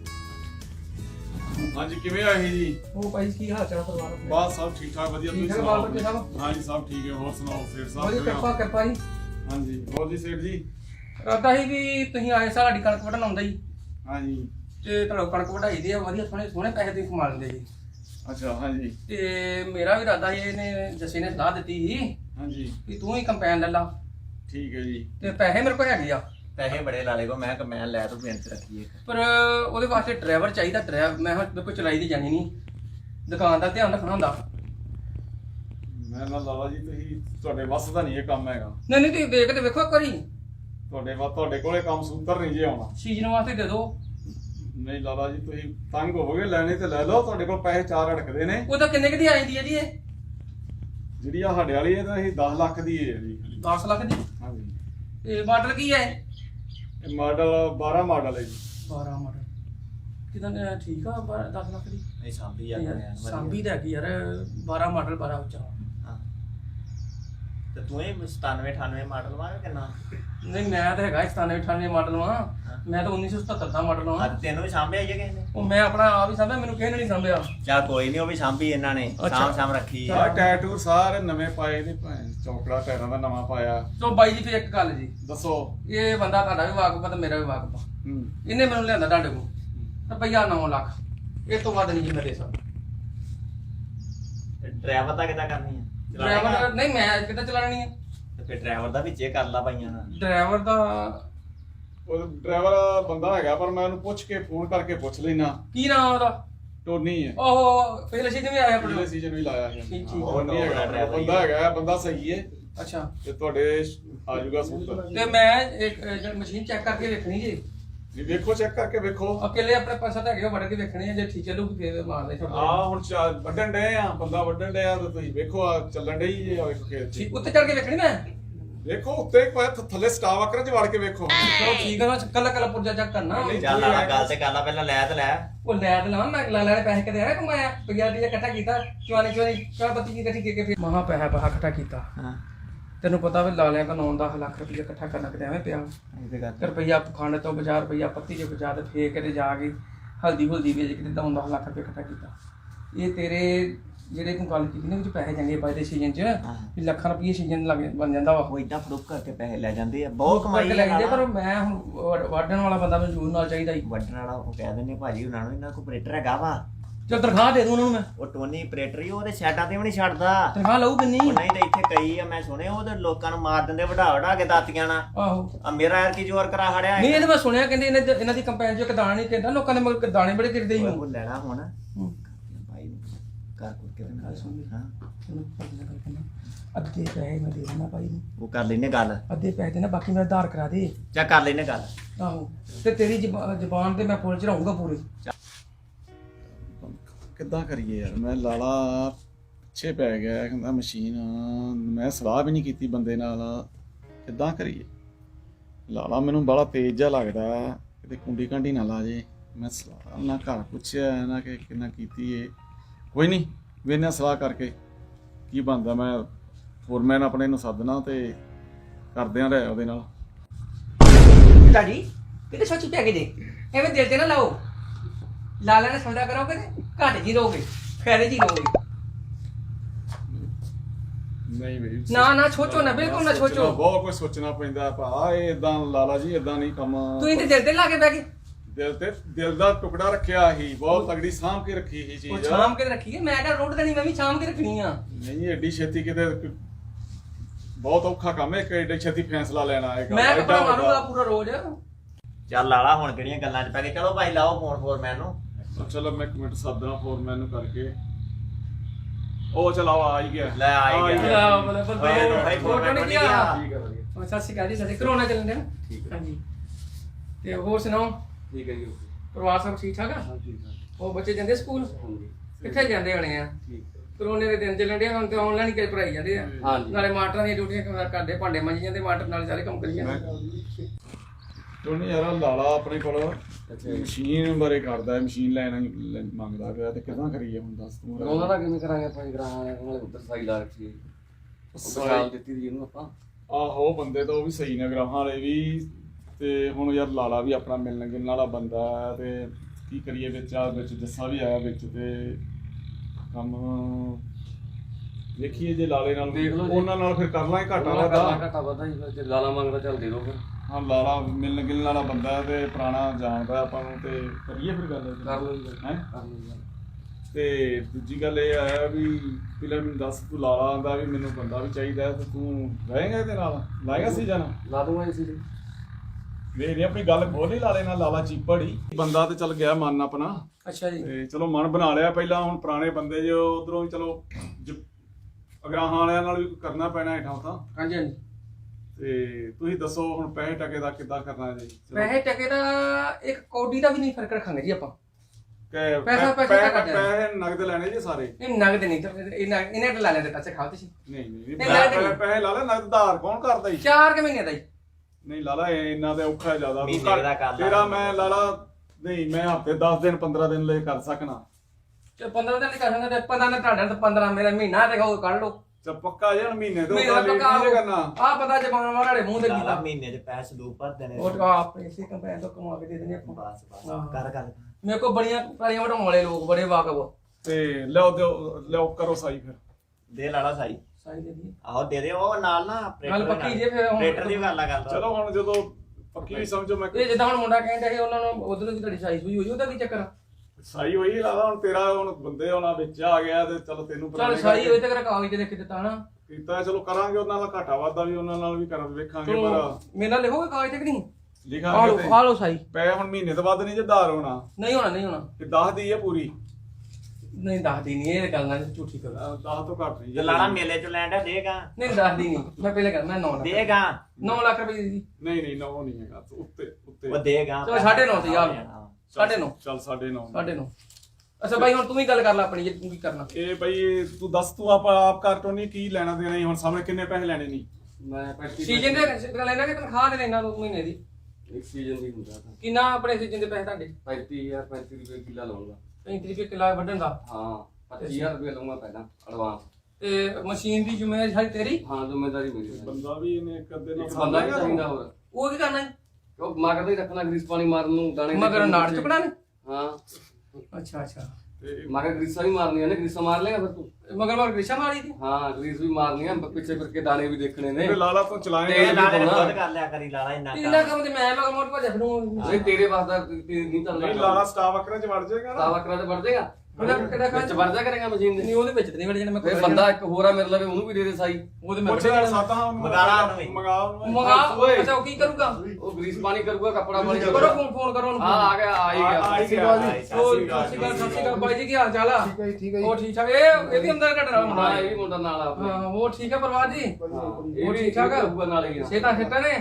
Speaker 3: ਹਾਂਜੀ ਕਿਵੇਂ ਆਏ ਜੀ
Speaker 2: ਉਹ ਭਾਈ ਕੀ ਹਾਲ ਚਾਲ ਪਰਿਵਾਰ ਆਪਣੇ
Speaker 3: ਬਾਤ ਸਭ ਠੀਕ ਠਾਕ ਵਧੀਆ ਤੁਸੀਂ
Speaker 2: ਠੀਕ ਹੈ ਬਾਲ
Speaker 3: ਸੁਣਾਓ
Speaker 2: ਬੱਚੇ ਸਭ
Speaker 3: ਹਾਂਜੀ ਸਭ ਠੀਕ ਹੈ ਹੋਰ ਸੁਣਾਓ ਸੇਠ ਸਾਹਿਬ
Speaker 2: ਬੜੀ
Speaker 3: ਕਿਵੇਂ
Speaker 2: ਕਿਰਪਾ
Speaker 3: ਆ?
Speaker 2: ਕਿਰਪਾ ਜੀ
Speaker 3: ਹਾਂਜੀ ਹੋਰ ਜੀ ਸੇਠ ਜੀ
Speaker 2: ਰਾਦਾ ਹੀ ਵੀ ਤੁਸੀਂ ਆਏ ਸਾਡੀ ਕਣਕ ਵਢਣ ਆਉਂਦਾ ਜੀ
Speaker 3: ਹਾਂਜੀ
Speaker 2: ਤੇ ਤੁਹਾਡਾ ਕਣਕ ਵਢਾਈ ਦੀ ਆ ਵਧੀਆ ਸੋਹਣੇ ਸੋਹਣੇ ਪੈਸੇ ਤੁਸੀਂ ਕਮਾ ਲੈਂਦੇ ਜੀ
Speaker 3: ਅੱਛਾ ਹਾਂਜੀ
Speaker 2: ਤੇ ਮੇਰਾ ਵੀ ਇਰਾਦਾ ਸੀ ਇਹਨੇ ਜੱਸੀ ਨੇ ਸਲਾਹ ਦਿੱਤੀ ਸੀ
Speaker 3: ਹਾਂਜੀ
Speaker 2: ਕਿ ਤੂੰ ਹੀ ਕੰਪੈਨ ਲੈ ਲਾ
Speaker 3: ਠੀਕ ਹੈ ਜੀ
Speaker 2: ਤੇ ਪੈਸੇ ਮੇਰੇ ਕੋਲ ਹੈਗੇ ਆ
Speaker 4: ਪੈਸੇ ਬੜੇ ਲਾਲੇ ਕੋ ਮੈਂ ਕਿ ਮੈਂ ਲੈ ਤੂੰ ਬੇਨਤੀ ਰੱਖੀਏ
Speaker 2: ਪਰ ਉਹਦੇ ਵਾਸਤੇ ਡਰਾਈਵਰ ਚਾਹੀਦਾ ਡਰਾਈਵਰ ਮੈਂ ਹੁਣ ਮੇਰੇ ਕੋਲ ਚਲਾਈ ਦੀ ਜਾਣੀ ਨਹੀਂ ਦੁਕਾਨ ਦਾ ਧਿਆਨ ਰੱਖਣਾ ਹੁੰਦਾ
Speaker 3: ਮੈਂ ਨਾ ਲਾਲਾ ਜੀ ਤੁਸੀਂ ਤੁਹਾਡੇ ਵੱਸ ਦਾ ਨਹੀਂ ਇਹ ਕੰਮ ਹੈਗਾ
Speaker 2: ਨਹੀਂ ਨਹੀਂ ਤੁਸੀਂ ਦੇਖ ਕੇ ਵੇਖੋ ਇੱਕ ਵਾਰੀ
Speaker 3: ਤੁਹਾਡੇ ਵਾ ਤੁਹਾਡੇ ਕੋਲੇ ਕੰਮ ਸੂਤਰ ਨਹੀਂ ਜੇ ਆਉਣਾ
Speaker 2: ਸੀਜ਼ਨ ਵਾਸਤੇ ਦੇ ਦਿਓ
Speaker 3: ਨਹੀਂ ਲਾਲਾ ਜੀ ਤੁਸੀਂ ਤੰਗ ਹੋਵੋਗੇ ਲੈਣੇ ਤੇ ਲੈ ਲਓ ਤੁਹਾਡੇ ਕੋਲ ਪੈਸੇ ਚਾਰ ਅੜਕਦੇ ਨੇ
Speaker 2: ਉਹ ਤਾਂ ਕਿੰਨੇ ਕੁ ਦੀ ਆ ਜਾਂਦੀ ਹੈ ਜੀ ਇਹ
Speaker 3: ਜਿਹੜੀ ਆ ਸਾਡੇ ਵਾਲੀ ਇਹ ਤਾਂ ਅਸੀਂ ਦਸ ਲੱਖ ਦੀ ਹੈ ਜੀ
Speaker 2: ਦਸ ਲੱਖ ਦੀ
Speaker 3: ਹਾਂਜੀ
Speaker 2: ਤੇ ਮਾਡਲ ਕੀ ਹੈ
Speaker 3: ਇਹ ਮਾਡਲ ਬਾਰਾਂ ਮਾਡਲ ਹੈ ਜੀ
Speaker 2: ਬਾਰਾਂ ਮਾਡਲ ਕਿਦਾਂ ਠੀਕ ਆ ਬਾਰਾਂ- ਦਸ ਲੱਖ ਦੀ
Speaker 4: ਨਹੀਂ ਸਾਂਭੀ ਆ
Speaker 2: ਯਾਰ, ਸਾਂਭੀ ਦਾ ਕੀ ਯਾਰ ਬਾਰਾਂ ਮਾਡਲ ਬਾਰਾਂ ਉੱਚਾ
Speaker 4: ਹਾਂ ਤੇ ਤੂੰ ਇਹ ਸਤਾਨਵੇਂ ਅਠਾਨਵੇਂ ਮਾਡਲ ਵਾਂ ਕਿੰਨਾ
Speaker 2: ਨਹੀਂ ਮੈਂ ਤਾਂ ਹੈਗਾ ਸਤਾਨਵੇਂ ਅਠਾਨਵੇਂ ਮਾਡਲ ਵਾਂ ਮੈਂ ਤਾਂ ਉੱਨੀ ਸੌ ਸਤੱਤਰ ਦਾ ਮਾਡਲ ਵਾਂ
Speaker 4: ਅੱਜ ਤੈਨੂੰ ਵੀ ਸਾਂਭਿਆ ਹੀ ਹੈ ਕਿਸੇ ਨੇ
Speaker 2: ਉਹ ਮੈਂ ਆਪਣਾ ਆਪ ਹੀ ਸਾਂਭਿਆ ਮੈਨੂੰ ਕਿਸੇ ਨੇ ਨਹੀਂ ਸਾਂਭਿਆ
Speaker 4: ਚੱਲ ਕੋਈ ਨਹੀਂ ਉਹ ਵੀ ਸਾਂਭੀ ਇਹਨਾਂ ਨੇ
Speaker 2: ਅੱਛਾ।
Speaker 4: ਸਾਂਭ ਸਾਂਭ ਰੱਖੀ
Speaker 3: ਆ ਟੈਟੂ ਸਾਰੇ ਨਵੇਂ ਪਾਏ ਨੇ ਭਾਵੇਂ ਚੌਕੜਾ ਟਾਇਰਾਂ ਦਾ ਨਵਾਂ ਪਾਇਆ
Speaker 2: ਸੋ ਬਾਈ ਜੀ ਫਿਰ ਇੱਕ ਗੱਲ ਜੀ
Speaker 3: ਦੱਸੋ
Speaker 2: ਇਹ ਬੰਦਾ ਤੁਹਾਡਾ ਵੀ ਵਾਕਫ ਆ ਤੇ ਮੇਰਾ ਵੀ ਵਾਕਫ ਆ
Speaker 3: ਹੂੰ
Speaker 2: ਇਹਨੇ ਮੈਨੂੰ ਲਿਆਂਦਾ ਤੁਹਾਡੇ ਕੋਲ ਰੁਪਈਆ ਨੌ ਲੱਖ ਇਹ ਤੋਂ ਵੱਧ ਨਹੀਂ ਜੀ ਮੈਂ ਦੇ ਸਕਦਾ
Speaker 4: ਡਰਾਈਵਰ ਦਾ ਕਿੱਦਾਂ ਕਰਨੀ ਹੈ ਚਲਾਏਗਾ?
Speaker 2: ਡਰਾਈਵਰ ਨਹੀਂ ਮੈਂ ਕਿੱਦਾਂ ਚਲਾਣੀ ਹੈ
Speaker 4: ਤੇ ਫਿਰ ਡਰਾਈਵਰ ਦਾ ਵਿੱਚੇ ਕਰ ਲਾ ਪਾਈਆਂ ਨਾ
Speaker 2: ਡਰਾਈਵਰ ਦਾ
Speaker 3: ਉਹ ਡਰਾਈਵਰ ਬੰਦਾ ਹੈਗਾ ਪਰ ਮੈਂ ਉਹਨੂੰ ਪੁੱਛ ਕੇ ਫੋਨ ਕਰਕੇ ਪੁੱਛ ਲੈਣਾ
Speaker 2: ਕੀ ਨਾਮ ਉਹਦਾ
Speaker 3: ਟੋਨੀ ਹੈ
Speaker 2: ਉਹ ਪਹਿਲੇ ਸੀਜ਼ਨ ਵੀ ਆਇਆ
Speaker 3: ਪਿਛਲੇ
Speaker 2: ਪੜੋ
Speaker 3: ਸੀਜ਼ਨ ਵੀ ਲਾਇਆ ਸੀ
Speaker 2: ਠੀਕ ਠੀਕ
Speaker 3: ਉਹ ਨਹੀਂ ਹੈਗਾ ਬੰਦਾ ਹੈਗਾ ਬੰਦਾ ਸਹੀ ਹੈ
Speaker 2: ਅੱਛਾ
Speaker 3: ਤੇ ਤੁਹਾਡੇ ਆ ਜਾਊਗਾ ਸੂਤਰ
Speaker 2: ਤੇ ਮੈਂ ਇੱਕ ਮਸ਼ੀਨ ਚੈੱਕ ਕਰਕੇ ਵੇਖਣੀ ਜੀ
Speaker 3: ਜੀ ਵੇਖੋ ਚੈੱਕ ਕਰਕੇ ਵੇਖੋ
Speaker 2: ਅਕੇਲੇ ਆਪਣੇ ਪਾਸਾ ਤਾਂ ਹੈਗੇ ਉਹ ਵੜ ਕੇ ਵੇਖਣੇ ਆ ਜੇ ਠੀਕ ਚੱਲੂਗੀ ਫੇਰ ਮਾਰਦੇ ਛੱਡ
Speaker 3: ਆ ਹੁਣ ਚਾ- ਵੱਢਣ ਡਏ ਆ ਬੰਦਾ ਵੱਢਣ ਡਿਆ ਤੇ ਤੁਸੀਂ ਵੇਖੋ ਆ ਚੱਲਣ ਡਈ ਜੇ ਆ ਵੇਖੋ ਖੇਤ 'ਚ
Speaker 2: ਠੀਕ ਉੱਤੇ ਚੜ ਕੇ ਵੇਖਣੀ ਮੈਂ
Speaker 3: ਵੇਖੋ ਉੱਤੇ ਪਾਇਆ ਥੱਲੇ ਸਟਾਵ ਆਕਰ ਚ ਵੜ ਕੇ ਵੇਖੋ
Speaker 2: ਚਲੋ ਠੀਕ ਆ ਮੈਂ ਕੱਲਾ ਕੱਲਾ ਪੁਰਜਾ ਚੈੱਕ ਕਰਨਾ
Speaker 4: ਚੱਲ ਆ ਗੱਲ ਤੇ ਕਰ ਲਾ ਪਹਿਲਾਂ ਲੈ ਤੇ ਲੈ
Speaker 2: ਉਹ ਲੈ ਤੇ ਲਾ ਮੈਂ ਲਾ ਲੈ ਪੈਸੇ ਕਦੇ ਆਇਆ ਕਮਾਇਆ ਪੰਜਾਹ ਰੁਪਏ ਇਕੱਠਾ ਕੀਤਾ ਚਵਾਨੀ ਚਵਾਨੀ ਚਾਰ ਬੱਤੀ ਕੀ ਇਕੱਠੀ ਕਰਕੇ ਫਿਰ ਮਹਾ ਪੈਸਾ ਪੈਸਾ ਇਕੱਠਾ ਕੀਤਾ
Speaker 4: ਹਾਂ
Speaker 2: ਤੈਨੂੰ ਪਤਾ ਵੀ ਲਾ ਲਿਆ ਕਾ ਨੌ ਦਸ ਲੱਖ ਰੁਪਏ ਇਕੱਠਾ ਕਰਨਾ ਕਿਤੇ ਐਵੇਂ ਪਿਆ
Speaker 4: ਇਹ ਤੇ ਗੱਲ
Speaker 2: ਤੇ ਰੁਪਈਆ ਖੰਡ ਤੋਂ ਬਾਜ਼ਾਰ ਰੁਪਈਆ ਪੱਤੀ ਦੇ ਬਚਾ ਤੇ ਫੇਰ ਕਿਤੇ ਜਾ ਕੇ ਹਲਦੀ ਹੁਲਦੀ ਵੇਚ ਕੇ ਦਸ ਦਸ ਲੱਖ ਰੁਪਏ ਇਕੱਠਾ ਕੀਤਾ ਇਹ ਤੇਰੇ ਜਿਹੜੇ ਤੂੰ ਗੱਲ ਕੀਤੀ ਨੇ ਵਿੱਚ ਪੈਸੇ ਚੰਗੇ ਬਚਦੇ ਸੀਜ਼ਨ 'ਚ ਵੀ ਲੱਖਾਂ ਰੁਪਏ ਸੀਜ਼ਨ ਲੱਗ ਬਣ ਜਾਂਦਾ ਵਾ
Speaker 4: ਉਹ ਇਦਾਂ ਫੜੁੱਕ ਕਰਕੇ ਪੈਸੇ ਲੈ ਜਾਂਦੇ ਆ ਬਹੁਤ ਕਮਾਈ
Speaker 2: ਲੈ ਜਾਂਦੇ ਪਰ ਮੈਂ ਹੁਣ ਵ- ਵਾਢਣ ਵਾਲਾ ਬੰਦਾ ਮੈਨੂੰ ਜੂਨ ਨਾਲ ਚਾਹੀਦਾ ਹੀ
Speaker 4: ਵੱਢਣ ਵਾਲਾ ਉਹ ਕਹਿ ਦਿੰਦੇ ਭਾਜੀ ਉਹਨਾਂ ਨੂੰ ਇਹਨਾਂ ਕੋਲ ਆਪਰੇਟਰ ਹੈਗਾ ਵਾ
Speaker 2: ਚਲ ਤਨਖਾਹ ਦੇ ਦੂੰ ਉਹਨਾਂ ਨੂੰ ਮੈਂ
Speaker 4: ਉਹ ਟੋਨੀ ਆਪਰੇਟਰ ਹੀ ਉਹਦੇ ਸ਼ੈਡਾਂ ਤੇ ਵੀ ਨਹੀਂ ਛੱਡਦਾ
Speaker 2: ਤਨਖਾਹ ਲਊ ਕਿੰਨੀ
Speaker 4: ਉਹ ਨਹੀਂ ਤਾਂ ਇੱਥੇ ਕਈ ਆ ਮੈਂ ਸੁਣਿਆ ਉਹਦੇ ਲੋਕਾਂ ਨੂੰ ਮਾਰ ਦਿੰਦੇ ਵਢਾ ਵਢਾ ਕੇ ਦਾਤੀਆਂ ਨਾਲ
Speaker 2: ਆਹੋ
Speaker 4: ਆ ਮੇਰਾ ਯਾਰ ਕੀ ਜ਼ੋਰ ਕਰਾ ਖੜਿਆ
Speaker 2: ਨਹੀਂ ਇਹ ਤਾਂ ਮੈਂ ਸੁਣਿਆ ਕਹਿੰਦੇ ਇਹਨਾਂ ਦੀ- ਇਹਨਾਂ ਦੀ ਕੰਪੈਨ 'ਚ ਇੱਕ ਦਾਣਾ ਨਹੀਂ ਕਹਿੰਦਾ ਲੋਕਾਂ ਦੇ ਮਗਰ ਦਾਣੇ ਬੜੇ ਗਿਰਦੇ ਹੀ
Speaker 4: ਉਹ ਲੈਣਾ ਹੁਣ
Speaker 2: ਹੂੰ
Speaker 4: ਭਾਈ ਨੂੰ ਕਰ ਕੁਰ ਕੇ
Speaker 2: ਗੱਲ
Speaker 4: ਨਾਲ
Speaker 2: ਸੁਣ ਲਈ।
Speaker 4: ਹਾਂ
Speaker 2: ਤੈਨੂੰ ਪਤਾ ਲੱਗਾ ਕਹਿੰਦਾ ਅੱਧੇ ਪੈਸੇ ਮੈਂ ਦੇ ਦੇਣਾ ਭਾਈ ਨੂੰ
Speaker 4: ਉਹ ਕਰ ਲੈਨੇ ਗੱਲ
Speaker 2: ਅੱਧੇ ਪੈਸੇ ਦੇ ਨਾ ਬਾਕੀ ਮੈਂ ਆਧਾਰ ਕਰਾ ਦੇ
Speaker 4: ਚਾ ਕਰ ਲੈਨੇ ਗੱਲ
Speaker 2: ਆਹੋ ਤੇ ਤੇਰੀ ਜ਼ੁਬਾ- ਜ਼ੁਬਾਨ ਤੇ ਮੈਂ ਫੁੱਲ ਚੜਾਉਂਗਾ ਪੂਰੀ
Speaker 3: ਕਿੱਦਾਂ ਕਰੀਏ ਯਾਰ ਮੈਂ ਲਾਲਾ ਪਿੱਛੇ ਪੈ ਗਿਆ ਕਹਿੰਦਾ ਮਸ਼ੀਨ ਮੈਂ ਸਲਾਹ ਵੀ ਨਹੀਂ ਕੀਤੀ ਬੰਦੇ ਨਾਲ ਕਿੱਦਾਂ ਕਰੀਏ ਲਾਲਾ ਮੈਨੂੰ ਬੜਾ ਤੇਜ਼ ਜਿਹਾ ਲੱਗਦਾ ਕਿਤੇ ਕੁੰਡੀ ਕਾਂਡੀ ਨਾ ਲਾ ਜੇ ਮੈਂ ਸਲਾਹ ਨਾ ਘਰ ਪੁੱਛਿਆ ਨਾ ਕਿ ਕਿੰਨਾ ਕੀਤੀ ਏ ਕੋਈ ਨਹੀਂ ਵੇਨੇ ਸਲਾਹ ਕਰਕੇ ਕੀ ਬਣਦਾ ਮੈਂ ਫੋਰਮੈਨ ਆਪਣੇ ਨੂੰ ਸੱਦਣਾ ਤੇ ਕਰਦੇ ਆ ਰਹਿ ਉਹਦੇ ਨਾਲ
Speaker 2: ਲਾਡੀ ਕਿਤੇ ਸੋਚੀ ਪੈ ਗਏ ਜੇ ਐਵੇਂ ਦਿਲ ਤੇ ਨਾ ਲਾਓ ਲਾਲਾ ਨੇ ਸੌਦਾ ਕਰੋਗੇ ਤੇ ਘੱਟ ਜੀ ਰਹੋਗੇ ਫਾਇਦੇ ਜੀ ਰਹੋਗੇ
Speaker 3: ਨਹੀਂ ਬਈ
Speaker 1: ਨਾ ਨਾ ਸੋਚੋ ਨਾ ਬਿਲਕੁਲ ਨਾ
Speaker 3: ਸੋਚਣਾ,
Speaker 1: ਸੋਚੋ
Speaker 3: ਬਹੁਤ ਕੁਝ ਸੋਚਣਾ ਪੈਂਦਾ ਭਾ ਇਹ ਇਦਾਂ ਲਾਲਾ ਜੀ ਇਦਾਂ ਨਹੀਂ ਕੰਮ
Speaker 1: ਤੁਸੀਂ ਤੇ ਦਿਲ ਤੇ ਲਾ ਕੇ ਬਹਿ ਗਏ
Speaker 3: ਦਿਲ ਤੇ ਦਿਲ ਦਾ ਟੁਕੜਾ ਰੱਖਿਆ ਸੀ ਬਹੁਤ ਤਗੜੀ ਸਾਂਭ ਕੇ ਰੱਖੀ ਸੀ
Speaker 1: ਉਹ
Speaker 3: ਚੀਜ਼
Speaker 1: ਸ਼ਾਮ ਕੇ ਰੱਖੀਏ ਮੈਂ ਕਿਹਾ ਰੋਡ ਦੇਣੀ ਮੈਂ ਵੀ ਸ਼ਾਮ ਕੇ ਰੱਖਣੀ ਆ
Speaker 3: ਨਹੀਂ ਏਡੀ ਛੇਤੀ ਕਿਤੇ ਬਹੁਤ ਔਖਾ ਕੰਮ ਹੈ ਕਿ ਏਡੀ ਛੇਤੀ ਫੈਸਲਾ ਲੈਣਾ ਹੈ
Speaker 1: ਮੈਂ ਕੱਪੜਾ ਮਾਰੂੰਗਾ ਪੂਰਾ ਰੋਜ਼
Speaker 4: ਚੱਲ ਲਾਲਾ ਹੁਣ ਕਿਹੜੀਆਂ ਗੱਲਾਂ 'ਚ ਪੈ ਗਏ ਚਲੋ ਭਾਈ ਲਾਓ ਫੋਨ ਫੋਰਮੈਨ ਨੂੰ
Speaker 3: ਚਲੋ ਮੈਂ ਇੱਕ ਮਿੰਟ ਸਾਦਣਾ ਫੋਰਮੈਨ ਨੂੰ ਕਰਕੇ ਉਹ ਚਲਾਓ ਆ ਹੀ ਗਿਆ
Speaker 4: ਲੈ ਆ ਹੀ ਗਿਆ
Speaker 1: ਆ ਮਤਲਬ
Speaker 4: ਭਾਈ ਭਾਈ
Speaker 1: ਫੋਟੋ
Speaker 4: ਫੋਰਮੈਨ
Speaker 1: ਨਹੀਂ
Speaker 4: ਨਹੀਂ
Speaker 1: ਗਿਆ
Speaker 4: ਗਿਆ
Speaker 3: ਠੀਕ ਹੈ ਵਧੀਆ
Speaker 1: ਸਤਿ ਸ਼੍ਰੀ ਅਕਾਲ ਜੀ ਸਤਿ ਸ਼੍ਰੀ ਅਕਾਲ ਕਰੋਨਾ ਚੱਲਣ ਦੇ ਨਾ
Speaker 3: ਠੀਕ ਹੈ
Speaker 1: ਹਾਂਜੀ ਤੇ ਹੋਰ ਸੁਣਾਓ
Speaker 3: ਠੀਕ ਹੈ ਜੀ
Speaker 1: ਪਰਿਵਾਰ ਸਭ ਠੀਕ ਠਾਕ ਆ
Speaker 3: ਹਾਂ ਠੀਕ ਹੈ
Speaker 1: ਉਹ ਬੱਚੇ ਜਾਂਦੇ ਸਕੂਲ
Speaker 3: ਹਾਂਜੀ
Speaker 1: ਕਿੱਥੇ ਜਾਂਦੇ ਹੋਣੇ ਆ
Speaker 3: ਠੀਕ ਹੈ
Speaker 1: ਕਰੋਨੇ ਦੇ ਦਿਨ ਚੱਲਣ ਦੇ ਹੁਣ ਤੇ ਆਨਲਾਈਨ ਹੀ ਪੜਾਈ ਜਾਂਦੇ ਆ
Speaker 3: ਹਾਂਜੀ।
Speaker 1: ਨਾਲੇ ਮਾਸਟਰਾਂ ਦੀਆਂ ਡਿਊਟੀਆਂ ਕਰਦੇ ਭਾਂਡੇ ਮਾਂਜੀ ਜਾਂਦੇ ਮਾਸਟਰ ਨਾਲ ਸਾਰੇ ਕੰਮ ਕਰੀ ਜਾਂਦੇ
Speaker 3: ਟੋਨੀ ਯਾਰ ਲਾਲਾ ਆਪਣੇ ਕੋਲ ਮਸ਼ੀਨ ਬਾਰੇ ਕਰਦਾ ਹੈ ਮਸ਼ੀਨ ਲੈਣ ਲੈ- ਮੰਗਦਾ ਪਿਆ ਤੇ ਕਿਦਾਂ ਕਰੀਏ ਹੁਣ ਦੱਸ ਤੂੰ
Speaker 5: ਉਹਨਾਂ ਦਾ ਕਿਵੇਂ ਕਰਾਂਗੇ ਆਪਾਂ ਗਰਾਹਾਂ ਨਾਲੇ ਉੱਧਰ ਸਾਈ ਲਾ ਰੱਖੀ ਸਾਲ ਦਿੱਤੀ ਦੀ ਇਹਨੂੰ ਆਪਾਂ
Speaker 3: ਆਹੋ ਬੰਦੇ ਤਾਂ ਉਹ ਵੀ ਸਹੀ ਨੇ ਗ੍ਰਾਹਾਂ ਵਾਲੇ ਵੀ ਤੇ ਹੁਣ ਯਾਰ ਲਾਲਾ ਵੀ ਆਪਣਾ ਮਿਲਣ ਗਿਲਣ ਵਾਲਾ ਬੰਦਾ ਹੈ ਤੇ ਕੀ ਕਰੀਏ ਵਿੱਚ ਆ ਵਿੱਚ ਜੱਸਾ ਵੀ ਆਇਆ ਵਿੱਚ ਤੇ ਕੰਮ ਦੇਖੀਏ ਜੇ ਲਾਲੇ ਨਾਲ
Speaker 5: ਦੇਖ ਲਓ ਜੀ।
Speaker 3: ਉਹਨਾਂ ਨਾਲ ਫਿਰ ਕਰ ਲਾਂਗੇ ਘਾਟਾ
Speaker 5: ਉਹਨਾਂ ਦਾ
Speaker 3: ਵਾਦਾ
Speaker 5: ਘਾਟਾ ਵਾਦਾ ਹੀ ਫਿਰ ਜੇ ਲਾਲਾ ਮੰਗਦਾ ਚੱਲ ਦੇ ਦੋ ਫਿਰ
Speaker 3: ਹਾਂ ਲਾਲਾ ਮਿਲਣ ਗਿਲਣ ਵਾਲਾ ਬੰਦਾ ਹੈ ਤੇ ਪੁਰਾਣਾ ਜਾਣਦਾ ਆਪਾਂ ਨੂੰ ਤੇ ਕਰੀਏ ਫਿਰ ਗੱਲ
Speaker 5: ਕਰ ਲਓ ਜੀ
Speaker 3: ਹੈਂ?
Speaker 5: ਕਰ ਲਓ ਜੀ
Speaker 3: ਤੇ ਦੂਜੀ ਗੱਲ ਇਹ ਆ ਵੀ ਪਹਿਲਾਂ ਮੈਨੂੰ ਦੱਸ ਤੂੰ ਲਾਲਾ ਆਂਦਾ ਵੀ ਮੈਨੂੰ ਬੰਦਾ ਵੀ ਚਾਹੀਦਾ ਤੇ ਤੂੰ ਰਹੇਂਗਾ ਇਹਦੇ ਨਾਲ ਲਾਏਗਾ ਸੀ ਜਾਣਾ
Speaker 5: ਲਾ ਦੂੰਗਾ ਇਸੇ ਦੀ
Speaker 3: ਮੇਰੀ ਆਪਣੀ ਗੱਲ ਖੋਲ ਹੀ ਲਾਲੇ ਨਾਲ ਲਾਲਾ ਚੀਪੜ ਹੀ ਬੰਦਾ ਤੇ ਚੱਲ ਗਿਆ ਮਨ ਆਪਣਾ
Speaker 1: ਅੱਛਾ ਜੀ
Speaker 3: ਤੇ ਚਲੋ ਮਨ ਬਣਾ ਲਿਆ ਪਹਿਲਾਂ ਹੁਣ ਪੁਰਾਣੇ ਬੰਦੇ ਜੋ ਉਧਰੋਂ ਹੀ ਚਲੋ ਜ- ਅਗਰਾਹਾਂ ਵਾਲਿਆਂ ਨਾਲ ਵੀ ਕਰਨਾ ਪੈਣਾ ਹੇਠਾਂ ਤਾਂ
Speaker 1: ਹਾਂਜੀ ਹਾਂਜੀ
Speaker 3: ਤੇ ਤੁਸੀਂ ਦੱਸੋ ਹੁਣ ਪੈਸੇ ਟਕੇ ਦਾ ਕਿੱਦਾਂ ਕਰਨਾ ਜੀ ਚਲੋ।
Speaker 1: ਪੈਸੇ ਟਕੇ ਦਾ ਇੱਕ ਕੌਡੀ ਦਾ ਵੀ ਨਹੀਂ ਫਰਕ ਰੱਖਾਂਗੇ ਜੀ ਆਪਾਂ
Speaker 3: ਕਿ
Speaker 1: ਪੈਸਾ-
Speaker 3: ਪੈ-
Speaker 1: ਪੈਸਾ
Speaker 3: ਪੈ-
Speaker 1: ਕੱਟ ਜਾਣਾ।
Speaker 3: ਪੈਸੇ ਨਗਦ ਲੈਣੇ ਜੀ ਸਾਰੇ
Speaker 1: ਇਹ ਨਗਦ ਨਹੀਂ ਤਾਂ ਇਹਨਾਂ ਇਹਨੇ ਤਾਂ ਲੈ ਲੈਂਦੇ ਪੈਸੇ ਖਾਓ ਤੁਸੀਂ
Speaker 3: ਨਹੀਂ ਨਹੀਂ
Speaker 1: ਨਹੀਂ,
Speaker 3: ਨਹੀਂ,
Speaker 1: ਨਗਦ
Speaker 3: ਪੈਸੇ
Speaker 1: ਨਹੀਂ।
Speaker 3: ਪੈਸੇ ਲਾ ਲੈ ਨਗਦ ਧਾਰ ਕੌਣ ਕਰਦਾ ਜੀ
Speaker 1: ਚਾਰ ਕੁ ਮਹੀਨੇ ਦਾ ਜੀ
Speaker 3: ਨਹੀਂ ਲਾਲਾ ਇਹ ਇੰਨਾ ਤੇ ਔਖਾ ਜ਼ਿਆਦਾ ਤੂੰ
Speaker 4: ਮਹੀਨੇ
Speaker 3: ਘੱਟ-
Speaker 4: ਦਾ ਕਰ ਲਾ।
Speaker 3: ਤੇਰਾ ਮੈਂ ਲਾਲਾ ਨਹੀਂ ਮੈਂ ਹਫਤੇ ਦਸ ਦਿਨ ਪੰਦਰਾਂ ਦਿਨ ਲਈ ਕਰ ਸਕਣਾ
Speaker 1: ਤੇ ਪੰਦਰਾਂ ਦਿਨ ਨਹੀਂ ਕਰ ਸਕਦੇ ਤੇ ਪੰਦਰਾਂ ਦਿਨ ਤੁਹਾਡਾ ਤੇ ਪੰਦਰਾਂ ਮੇਰਾ ਮਹੀਨਾ ਤੇ ਉਹ ਕੱਢ ਲਓ
Speaker 3: ਚਾ ਪੱਕਾ ਜੇ ਹੁਣ ਮਹੀਨੇ ਤੋਂ
Speaker 1: ਮਹੀਨਾ
Speaker 3: ਗੱਲ
Speaker 1: ਪੱਕਾ
Speaker 3: ਨਹੀਂ ਕਰਨਾ
Speaker 1: ਆ ਪਤਾ ਜਮਾਨ ਵਾਲੇ ਮੂੰਹ ਤੇ
Speaker 4: ਲਾਲਾ
Speaker 1: ਕੀਤਾ
Speaker 4: ਮਹੀਨੇ 'ਚ ਪੈਸੇ ਦੂ ਭਰ ਦੇਣੇ
Speaker 1: ਉਹ ਤਾਂ ਆਪ ਇਸੇ ਕੰਪਨੀ ਤੋਂ ਕਮਾ ਕੇ ਦੇ ਦਿੰਦੇ ਆਪਾਂ
Speaker 4: ਬਸ ਬਸ
Speaker 1: ਹਾਂ।
Speaker 4: ਕਰ ਗੱਲ
Speaker 1: ਮੇਰੇ ਕੋਲ ਬੜੀਆਂ ਕਾਲੀਆਂ ਵਢਾਉਣ ਵਾਲੇ ਲੋਕ ਬੜੇ ਵਾਕਬ
Speaker 3: ਤੇ ਲਿਓ ਦਿਓ ਲਿਓ ਕਰੋ ਸਾਈ ਫਿਰ
Speaker 4: ਦੇ ਲਾਲਾ ਸਾਈ
Speaker 1: ਸਾਈ ਦੇ ਦੀ
Speaker 4: ਆਹੋ ਦੇ ਦੇ ਉਹ ਨਾਲ ਨਾ
Speaker 1: ਗੱਲ ਪੱਕੀ ਜੇ ਫਿਰ ਹੁਣ-
Speaker 4: ਆਪਰੇਟਰ ਦੀ ਗੱਲ ਆ ਗੱਲ
Speaker 3: ਚਲੋ ਹੁਣ ਜਦੋਂ ਪੱਕੀ ਵੀ ਸਮਝੋ ਮੈਂ
Speaker 1: ਇਹ ਜਿੱਦਾਂ ਹੁਣ ਮੁੰਡਾ ਕਹਿੰਦਾ ਸੀ ਉਹਨਾਂ ਨੂੰ ਉਧਰ ਦੀ ਤੁਹਾਡੀ ਸਾਈ ਸੂਈ ਹੋਈ ਉਹਦਾ ਕੀ ਚੱਕਰ ਆ?
Speaker 3: ਸਾਈ ਹੋਈ ਲਾਲਾ ਹੁਣ ਤੇਰਾ ਹੁਣ ਬੰਦੇ ਹੋਣਾ ਵਿੱਚ ਆ ਗਿਆ ਤੇ ਚਲੋ ਤੈਨੂੰ
Speaker 1: ਚੱਲ
Speaker 3: ਪੁਰਾਣੇ
Speaker 1: ਸਾਈ ਹੋਈ
Speaker 3: ਕਰਕੇ
Speaker 1: ਤੇ ਕਰ ਕਾਗਜ਼ ਲਿਖ ਦਿੱਤਾ ਨਾ
Speaker 3: ਕੀਤਾ ਚਲੋ ਕਰਾਂਗੇ ਉਹਨਾਂ ਨਾਲ ਘਾਟਾ ਵਾਧਾ ਵੀ ਉਹਨਾਂ ਨਾਲ ਵੀ ਕਰ ਵੇਖਾਂਗੇ
Speaker 1: ਤੂੰ
Speaker 3: ਪਰ
Speaker 1: ਮੇਰੇ ਨਾਲ ਲਿਖੋਗੇ ਕਾਗਜ਼ ਤੇ ਕਿ ਨਹੀਂ ਆ
Speaker 3: ਲਿਖਾਂਗੇ
Speaker 1: ਲਓ
Speaker 3: ਤੇ
Speaker 1: ਆ ਲਓ ਸਾਈ
Speaker 3: ਪੈ ਹੁਣ ਮਹੀਨੇ ਤੋਂ ਵੱਧ ਨਹੀਂ ਜੇ ਧਾਰ ਹੋਣਾ
Speaker 1: ਨਹੀਂ ਹੋਣਾ ਨਹੀਂ ਹੋਣਾ
Speaker 3: ਤੇ ਦਸ ਦੀ ਹੈ ਪੂਰੀ
Speaker 1: ਨਹੀਂ ਦੱਸਦੀ ਨਹੀਂ ਇਹ ਗੱਲ ਨਾਲ ਝੂਠੀ ਕਰ
Speaker 3: ਦਸ ਤੋਂ ਘੱਟ ਨਹੀਂ
Speaker 4: ਜੇ ਲਾਲਾ ਮੇਲੇ 'ਚ ਲੈਂਦਾ ਦੇਗਾ
Speaker 1: ਨਹੀਂ ਦੱਸਦੀ ਨਹੀਂ ਮੈਂ ਪਹਿਲੇ ਕਰਨਾ ਨੌ ਲੱਖ
Speaker 4: ਦੇਗਾ
Speaker 1: ਨੌ ਲੱਖ ਰੁਪਏ ਦੀ
Speaker 3: ਨਹੀਂ ਨਹੀਂ ਨਾ ਉਹ ਨਹੀਂ ਹੈਗਾ ਉੱਤੇ ਉੱਤੇ
Speaker 4: ਉਹ ਦੇਗਾ
Speaker 1: ਚਲੋ ਸਾਢੇ ਨੌ ਤੇ ਯਾਰ ਸਾਢੇ ਨੌ
Speaker 3: ਚੱਲ ਸਾਢੇ ਨੌ
Speaker 1: ਸਾਢੇ ਨੌ ਅੱਛਾ ਬਾਈ ਹੁਣ ਤੂੰ ਵੀ ਗੱਲ ਕਰ ਲੈ ਆਪਣੀ ਜੇ ਤੂੰ ਕੀ ਕਰਨਾ
Speaker 3: ਇਹ ਬਈ ਤੂੰ ਦੱਸ ਤੂੰ ਆਪ ਆਪ ਕਾਰਟੋ ਨਹੀਂ ਕੀ ਲੈਣਾ ਦੇਣਾ ਹੀ ਹੁਣ ਸਾਹਮਣੇ ਕਿੰਨੇ ਪੈਸੇ ਲੈਣੇ ਨਹੀਂ
Speaker 5: ਮੈਂ ਪੈਂਤੀ
Speaker 1: ਸੀਜ਼ਨ ਦੇ ਲੈਣਾ ਕਿ ਤਨਖਾਹ ਦੇ ਲੈਣਾ ਦੋ ਮਹੀਨੇ ਦੀ
Speaker 5: ਇੱਕ ਸੀਜ਼ਨ ਦੀ ਹੁੰਦਾ ਤਾਂ
Speaker 1: ਕਿੰਨਾ ਆਪਣੇ ਸੀਜ਼ਨ ਦੇ ਪੈਸੇ ਤੁਹਾਡੇ
Speaker 5: ਪੈਂਤੀ ਹਜ਼ਾਰ ਪੈਂਤੀ ਰੁਪਏ ਕਿੱਲਾ ਲਵਾਂਗਾ
Speaker 1: ਪੈਂਤੀ ਰੁਪਏ ਕਿੱਲਾ ਵੱਢਣ ਦਾ
Speaker 5: ਹਾਂ ਪੱਚੀ ਹਜ਼ਾਰ ਰੁਪਏ ਲਵਾਂਗਾ ਪਹਿਲਾਂ ਐਡਵਾਂਸ
Speaker 1: ਤੇ ਮਸ਼ੀਨ ਦੀ ਜ਼ਿੰਮੇਵਾਰੀ ਸਾਰੀ ਤੇਰੀ
Speaker 5: ਹਾਂ ਜ਼ਿੰਮੇਵਾਰੀ ਮੇਰੀ ਹੈ।
Speaker 3: ਬੰਦਾ ਵੀ ਇਹਨੇ ਇੱਕ ਅੱਧੇ ਨਾਲ
Speaker 5: ਇੱਕ ਬੰਦਾ ਵੀ ਚਾਹੀਦਾ ਹੋਰ
Speaker 1: ਉਹ ਕੀ ਕਰਨਾ ਹੈ
Speaker 5: ਉਹ ਮਗਰ ਦਾ ਹੀ ਰੱਖਣਾ ਗਰੀਸ ਪਾਣੀ ਮਾਰਨ ਨੂੰ ਦਾਣੇ
Speaker 1: ਮਗਰ ਨਾੜ ਚੁਕਣਾ ਨੇ
Speaker 5: ਹਾਂ
Speaker 1: ਅੱਛਾ ਅੱਛਾ
Speaker 3: ਤੇ
Speaker 5: ਮਗਰ ਗਰੀਸਾਂ ਵੀ ਮਾਰਨੀਆਂ ਨੇ ਗਰੀਸਾਂ ਮਾਰ ਲੇਗਾ ਫਿਰ ਤੂੰ
Speaker 1: ਮਗਰ ਮਗਰ ਗ੍ਰਿਸ਼ਾ ਮਾਰੀ ਦੀ
Speaker 5: ਹਾਂ ਗਰੀਸ ਵੀ ਮਾਰਨੀਆਂ ਪਿੱਛੇ ਫਿਰ ਕੇ ਦਾਣੇ ਵੀ ਦੇਖਣੇ ਨੇ
Speaker 3: ਇਹ ਲਾਲਾ ਤੋਂ ਚਲਾਏਗਾ
Speaker 5: ਤੇ
Speaker 4: ਇਹ ਲਾਲੇ ਨੇ
Speaker 5: ਪਾਉਣਾ।
Speaker 4: ਖੁਦ ਕਰ ਲਿਆ ਕਰੀ ਲਾਲਾ ਇੰਨਾ
Speaker 1: ਇੰਨਾ
Speaker 4: ਕੰਮ
Speaker 1: ਕੰਮ ਤੇ ਮੈਂ ਮਗਰ ਮੋਟ ਭੱਜ ਫਿਰੂ
Speaker 5: ਨਹੀਂ ਤੇਰੇ ਵਾਸਤਾ ਨਹੀਂ ਚੱਲਣਾ
Speaker 3: ਨਹੀਂ ਲਾਲਾ ਸਟਾਫ ਅਕਰਾਂ ਚ ਵੜ ਜਾਏਗਾ ਨਾ
Speaker 5: ਤਾਵਾ ਕਰਾ ਤੇ ਵੜ ਜਾਏਗਾ
Speaker 1: ਉਹਦਾ ਕਿਹੜਾ
Speaker 5: ਵਿੱਚ ਵੜ ਜਾ ਕਰੇਗਾ ਮਸ਼ੀਨ ਦੇ
Speaker 1: ਨਹੀਂ ਉਹਦੇ ਵਿੱਚ ਤੇ ਨਹੀਂ ਵੜ ਜਾਣਾ ਮੈਂ
Speaker 5: ਇਹ ਬੰਦਾ ਇੱਕ ਹੋਰ ਆ ਮੇਰੇ ਲਵੇ ਉਹਨੂੰ ਵੀ ਦੇ ਦੇ ਸਾਈ
Speaker 1: ਉਹਦੇ ਮੈਂ
Speaker 3: ਪੁੱਛ ਲੈ ਸਾਤਾ
Speaker 4: ਮੰਗਾਲਾ ਨੂੰ ਵੀ।
Speaker 3: ਮੰਗਾ ਉਹਨੂੰ।
Speaker 1: ਮਗਾ
Speaker 5: ਓਏ।
Speaker 1: ਅੱਛਾ ਉਹ ਕੀ ਕਰੂਗਾ
Speaker 5: ਉਹ ਗਰੀਸ ਪਾਣੀ ਕਰੂਗਾ ਕੱਪੜਾ ਪਾਣੀ
Speaker 1: ਕਰੋ
Speaker 5: ਕਰੂਗਾ
Speaker 1: ਫੋਨ ਫੋਨ ਕਰੋ ਉਹਨੂੰ
Speaker 5: ਹਾਂ ਆ ਗਿਆ ਆ ਹੀ
Speaker 3: ਆ- ਆ ਹੀ
Speaker 5: ਗਿਆ
Speaker 3: ਗਿਆ
Speaker 4: ਜੀ।
Speaker 3: ਜੀ।
Speaker 1: ਉਹ ਸਤਿ ਸ਼੍ਰੀ ਅਕਾਲ ਸਤਿ ਸ਼੍ਰੀ ਅਕਾਲ ਬਾਈ ਜੀ ਕੀ ਹਾਲ ਚਾਲ ਆ ਠੀਕ ਹੈ ਠੀਕ ਹੈ ਉਹ ਠੀਕ ਠਾਕ ਇਹ ਇਹ ਵੀ ਅੰਦਰ ਘਟਣਾ
Speaker 5: ਹਾਂ
Speaker 1: ਮੁੰਡਾ
Speaker 5: ਇਹ ਵੀ ਮੁੰਡਾ ਨਾਲ ਆ ਆਪਣੇ
Speaker 1: ਹਾਂ ਉਹ ਠੀਕ ਹੈ ਪਰਵਾਜ ਜੀ
Speaker 5: ਇਹ
Speaker 1: ਉਹ
Speaker 5: ਵੀ
Speaker 1: ਠੀਕ ਠਾਕ ਆ?
Speaker 5: ਹੋਊਗਾ ਨਾਲ ਹੀ ਆ।
Speaker 1: ਸੇਤਾ ਸੇਤਾ ਨੇ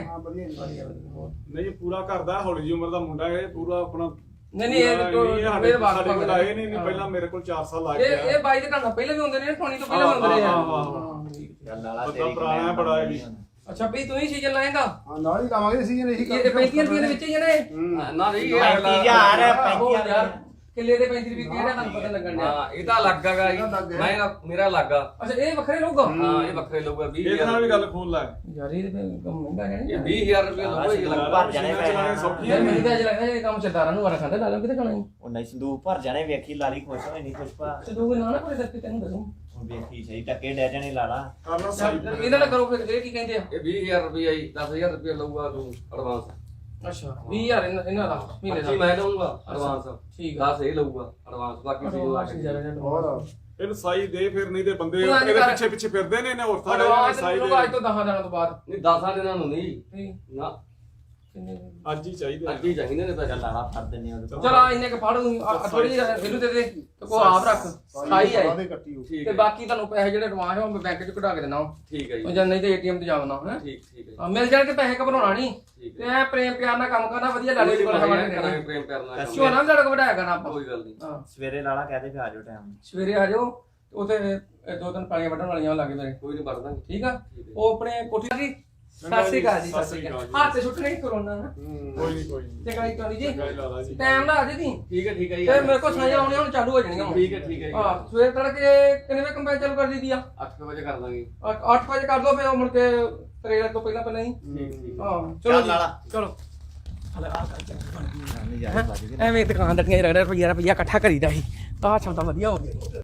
Speaker 3: ਨਹੀਂ ਪੂਰਾ ਕਰਦਾ ਹੌਲੀ ਜਿਹੀ ਉਮਰ ਦਾ ਮੁੰਡਾ ਇਹ ਪੂਰਾ ਆਪਣਾ
Speaker 1: ਨਹੀਂ ਨਹੀਂ ਇਹ ਤੋਂ
Speaker 3: ਇਹ ਸਾਡੇ
Speaker 1: ਮੇਰੇ ਬਾਪ
Speaker 3: ਸਾਡੇ ਕੋਲ ਆਏ ਨਹੀਂ ਨਹੀਂ ਪਹਿਲਾਂ ਮੇਰੇ ਕੋਲ ਚਾਰ ਸਾਲ ਲੱਗ
Speaker 1: ਇਹ
Speaker 3: ਗਿਆ
Speaker 1: ਇਹ ਬਾਈ ਦੇ ਘਰ ਪਹਿਲਾਂ ਵੀ ਹੁੰਦੇ ਨੇ ਟੋਨੀ ਤੋਂ ਪਹਿਲਾਂ
Speaker 3: ਹਾਂ,
Speaker 1: ਹੁੰਦੇ ਰਹੇ ਆ
Speaker 3: ਹਾਂ, ਹਾਂ,
Speaker 1: ਹਾਂ, ਠੀਕ ਹੈ।
Speaker 4: ਚੱਲ ਲਾਲਾ
Speaker 3: ਬੰਦਾ
Speaker 4: ਤੇਰੀ
Speaker 3: ਪੁਰਾਣਾ ਹੈ, ਬੜਾ ਇਹ ਵੀ।
Speaker 1: ਅੱਛਾ ਵੀ ਤੂੰ ਹੀ ਸੀਜ਼ਨ ਲਾਏਗਾ
Speaker 6: ਹਾਂ ਨਾਲ ਹੀ ਲਾਵਾਂਗੇ ਸੀ ਇਹੀ
Speaker 1: ਇਹ ਪੈਂਤੀ ਰੁਪਏ ਦੇ ਵਿੱਚ ਹੀ ਜਣੇ
Speaker 5: ਨਾ ਨਹੀਂ ਇਹ
Speaker 4: ਪੈਂਤੀ
Speaker 5: ਅਗਲਾ-
Speaker 4: ਹਜ਼ਾਰ
Speaker 1: ਉਹ
Speaker 4: ਪੈਂਤੀ
Speaker 1: ਯਾਰ
Speaker 4: ਹਜ਼ਾਰ
Speaker 1: ਕਿੱਲੇ ਦੇ ਪੈਂਤੀ ਰੁਪਏ ਕਿਹੜਾ ਤੁਹਾਨੂੰ ਪਤਾ ਲੱਗਣ ਡਿਆ
Speaker 5: ਹਾਂ ਇਹ ਤਾਂ ਅਲੱਗ ਹੈਗਾ ਜੀ ਮੈਂ ਮੇਰਾ ਅਲੱਗ ਆ
Speaker 1: ਅੱਛਾ ਇਹ ਵੱਖਰੇ ਲੋਗਾ
Speaker 5: ਹਾਂ ਇਹ ਵੱਖਰੇ ਲਊਗਾ ਵੀਹ
Speaker 3: ਇਹਦੇ ਨਾਲ ਵੀ ਗੱਲ ਖੋਲ ਲੈ
Speaker 1: ਯਾਰ ਇਹ ਤੇ ਕੰਮ ਮਹਿੰਗਾ ਹੈ
Speaker 5: ਇਹ ਵੀਹ ਹਜ਼ਾਰ ਰੁਪਏ ਲਊਗਾ ਇਹ ਅਲੱਗ
Speaker 4: ਭਰ ਜਾਣੇ ਪੈਸੇ
Speaker 3: ਚਲਾਉਣੇ ਸੌਖੀ
Speaker 1: ਯਾਰ ਮੈਨੂੰ ਤਾਂ ਅਜ ਲੱਗਦਾ ਇਹ ਕੰਮ ਸਰਦਾਰਾਂ ਨੂੰ ਵਾਰਾ ਖਾਂਦਾ ਲਾਲਾਂ ਕਿਤੇ ਖਾਣਾ
Speaker 4: ਉਹ ਨਹੀਂ ਸੰਦੂਕ ਭਰ ਜਾਣੇ ਵੇਖੀ ਲਾਲੀ ਖੁਸ਼ ਹੋਏ ਨਹੀਂ ਖੁਸ਼ ਪਾ
Speaker 1: ਤੇ ਤੂੰ ਨਾ ਨਾ ਕੋਈ ਦੱਸ ਤੈਨੂੰ ਦੱਸੂ
Speaker 4: ਵੇਖੀ ਸਹੀ ਟੱਕੇ ਡੈ ਜਾਣੇ ਲਾ ਲਾ
Speaker 3: ਕਰਨਾ ਸਾਈ
Speaker 2: ਇਹਨਾਂ ਨਾਲ ਕਰੋ ਫਿਰ ਇਹ ਕੀ ਕਹਿੰਦੇ ਆ
Speaker 5: ਇਹ ਵੀਹ ਹਜ਼ਾਰ ਰੁਪਇਆ ਜੀ ਦਸ ਹਜ਼ਾਰ ਰੁਪਇਆ ਲਊਗਾ ਤੂੰ ਐਡਵਾਂਸ
Speaker 2: ਅੱਛਾ ਵੀਹ ਹਜ਼ਾਰ ਇਹਨਾਂ ਇਹਨਾਂ ਦਾ ਮਹੀਨੇ
Speaker 5: ਪੱਚੀ
Speaker 2: ਦਾ
Speaker 5: ਮੈਂ ਲਊਗਾ ਐਡਵਾਂਸ
Speaker 2: ਠੀਕ ਆ
Speaker 5: ਦਸ ਇਹ ਲਊਗਾ ਐਡਵਾਂਸ ਬਾਕੀ ਸੀ
Speaker 3: ਹੋਰ ਇਹਨੂੰ ਸਾਈ ਦੇ ਫਿਰ ਨਹੀਂ ਤੇ ਬੰਦੇ
Speaker 2: ਤੂੰ ਐਂ
Speaker 3: ਇਹਦੇ
Speaker 2: ਕਰ।
Speaker 3: ਪਿੱਛੇ ਪਿੱਛੇ ਫਿਰਦੇ ਨੇ ਇਹਨੇ ਔਰਤਾਂ ਦੇ
Speaker 2: ਅਡਵਾਂਸ
Speaker 3: ਸਾਈ
Speaker 2: ਨੂੰ ਅੱਜ ਤੋਂ
Speaker 3: ਦੇ
Speaker 2: ਦਸਾਂ ਦਿਨਾਂ ਤੋਂ ਬਾਅਦ
Speaker 5: ਨਹੀਂ ਦਸਾਂ ਦਿਨਾਂ ਨੂੰ ਨਹੀਂ
Speaker 2: ਠੀਕ
Speaker 5: ਨਾ
Speaker 2: ਕਿੰਨੇ
Speaker 3: ਅੱਜ ਹੀ ਚਾਹੀਦੇ
Speaker 5: ਅੱਜ ਹੀ ਚਾਹੀਦੇ ਨੇ ਪੈਸੇ
Speaker 4: ਚੱਲ ਲਾਲਾ ਫੜ ਦਿੰਨੇ ਉਹਦੇ ਕੋਲ
Speaker 2: ਚਲ ਆ ਇੰਨੇ ਕ ਫੜ ਥੋੜੀ ਜਿਹੀ ਇਹਨੂੰ ਦੇ ਦੇ ਤੇ ਕੋ ਆਪ ਰੱਖ ਸਾਈ ਹੈ
Speaker 3: ਕੱਟੀ ਹੋ
Speaker 5: ਠੀਕ
Speaker 2: ਤੇ
Speaker 5: ਹੈ
Speaker 2: ਬਾਕੀ ਤੁਹਾਨੂੰ ਪੈਸੇ ਜਿਹੜੇ ਐਡਵਾਂਸ ਹੈ ਉਹ ਮੈਂ ਬੈਂਕ ਚ ਕਢਾ ਕੇ ਦੇਣਾ
Speaker 5: ਠੀਕ ਹੈ
Speaker 2: ਉਹ
Speaker 5: ਜੀ
Speaker 2: ਜਾਂ ਨਹੀਂ ਤੇ ਏਟੀਐਮ ਤੇ ਜਾਵਣਾ ਹੈ
Speaker 5: ਠੀਕ ਠੀਕ ਹੈ
Speaker 2: ਮਿਲ ਜਾਣਗੇ ਪੈਸੇ ਘਬਰਾਉਣਾ ਨਹੀਂ
Speaker 5: ਠੀਕ
Speaker 2: ਤੇ ਐ ਪ੍ਰੇਮ ਪਿਆਰ ਨਾਲ ਕੰਮ ਕਰਨਾ ਵਧੀਆ ਲਾਲੇ ਦੀ ਕੋਲ
Speaker 5: ਕਰਾਂਗੇ
Speaker 2: ਖਬਰ
Speaker 5: ਕਰਾਂਗੇ ਪ੍ਰੇਮ ਕਰਨਾ
Speaker 2: ਕਿਉਂ ਨਾ ਲੜਕ ਵਡਾਇਆ ਕਰਨਾ ਆਪਾਂ
Speaker 5: ਕੋਈ ਗੱਲ ਨਹੀਂ
Speaker 2: ਹਾਂ
Speaker 4: ਸਵੇਰੇ ਲਾਲਾ ਕਹਦੇ ਵੀ ਆ ਜਾਓ ਟਾਈਮ
Speaker 2: ਸਵੇਰੇ ਆ ਜਾਓ ਉਥੇ ਦੋ ਤਿੰਨ ਪਾਲੀਆਂ ਵੱਢਣ ਵਾਲੀਆਂ ਲੱਗੇ ਮੇਰੇ
Speaker 5: ਕੋਈ ਨਹੀਂ ਵੜਦਾ
Speaker 2: ਠੀਕ ਆ
Speaker 5: ਠੀਕ ਹੈ
Speaker 2: ਉਹ ਆਪਣੇ ਕੋਠੀ ਦੀ ਸਤਿ ਸ਼੍ਰੀ ਅਕਾਲ ਜੀ ਸਤਿ ਸ਼੍ਰੀ ਅਕਾਲ ਹੱਥ ਛੁੱਟਣੇ ਕਰੋਨਾ ਨਾ
Speaker 3: ਕੋਈ ਨਹੀਂ ਕੋਈ ਨਹੀਂ
Speaker 2: ਚੰਗਾ ਜੀ ਟੋਨੀ ਜੀ
Speaker 3: ਚੰਗਾ ਜੀ ਲਾਲਾ ਜੀ
Speaker 2: ਟਾਈਮ ਨਾਲ ਆ ਜੀ ਦੀ
Speaker 5: ਠੀਕ ਹੈ ਠੀਕ ਹੈ ਜੀ
Speaker 2: ਤੇ ਮੇਰੇ ਕੋਲ ਸਾਈਆਂ ਆਉਣੀਆਂ ਹੁਣ ਚਾਲੂ ਹੋ ਜਾਣੀਆਂ ਹੁਣ
Speaker 5: ਠੀਕ ਹੈ ਠੀਕ ਹੈ ਜੀ
Speaker 2: ਹਾਂ ਸਵੇਰ ਤੜਕੇ ਕਿੰਨੇ ਵਜੇ ਕੰਪੈਨ ਚਾਲੂ ਕਰ ਦਿੱਤੀ ਆ
Speaker 5: ਅੱਠ ਵਜੇ ਕਰ ਦਾਂਗੇ
Speaker 2: ਅੱਠ ਵਜੇ ਕਰ ਦੋ ਫਿਰ ਉਹ ਮੁੜ ਕੇ ਤਰੇਲ ਤੋਂ ਪਹਿਲਾਂ ਪਹਿਲਾਂ ਹੀ
Speaker 5: ਠੀਕ ਠੀਕ
Speaker 2: ਹਾਂ
Speaker 4: ਚੱਲ
Speaker 2: ਚਲੋ ਜੀ,
Speaker 4: ਲਾਲਾ।
Speaker 2: ਚਲੋ
Speaker 4: ਨਜ਼ਾਰੇ ਲੱਗ ਗਏ
Speaker 2: ਐਵੇਂ ਦੁਕਾਨ ਦੱਟੀਆਂ ਰਗੜਾ ਰੁਪਈਆ ਰੁਪਈਆ ਇਕੱਠਾ ਕਰੀਦਾ ਸੀ ਆਹ ਛਮਤਾ ਵਧੀਆ ਹੋ ਗਿਆ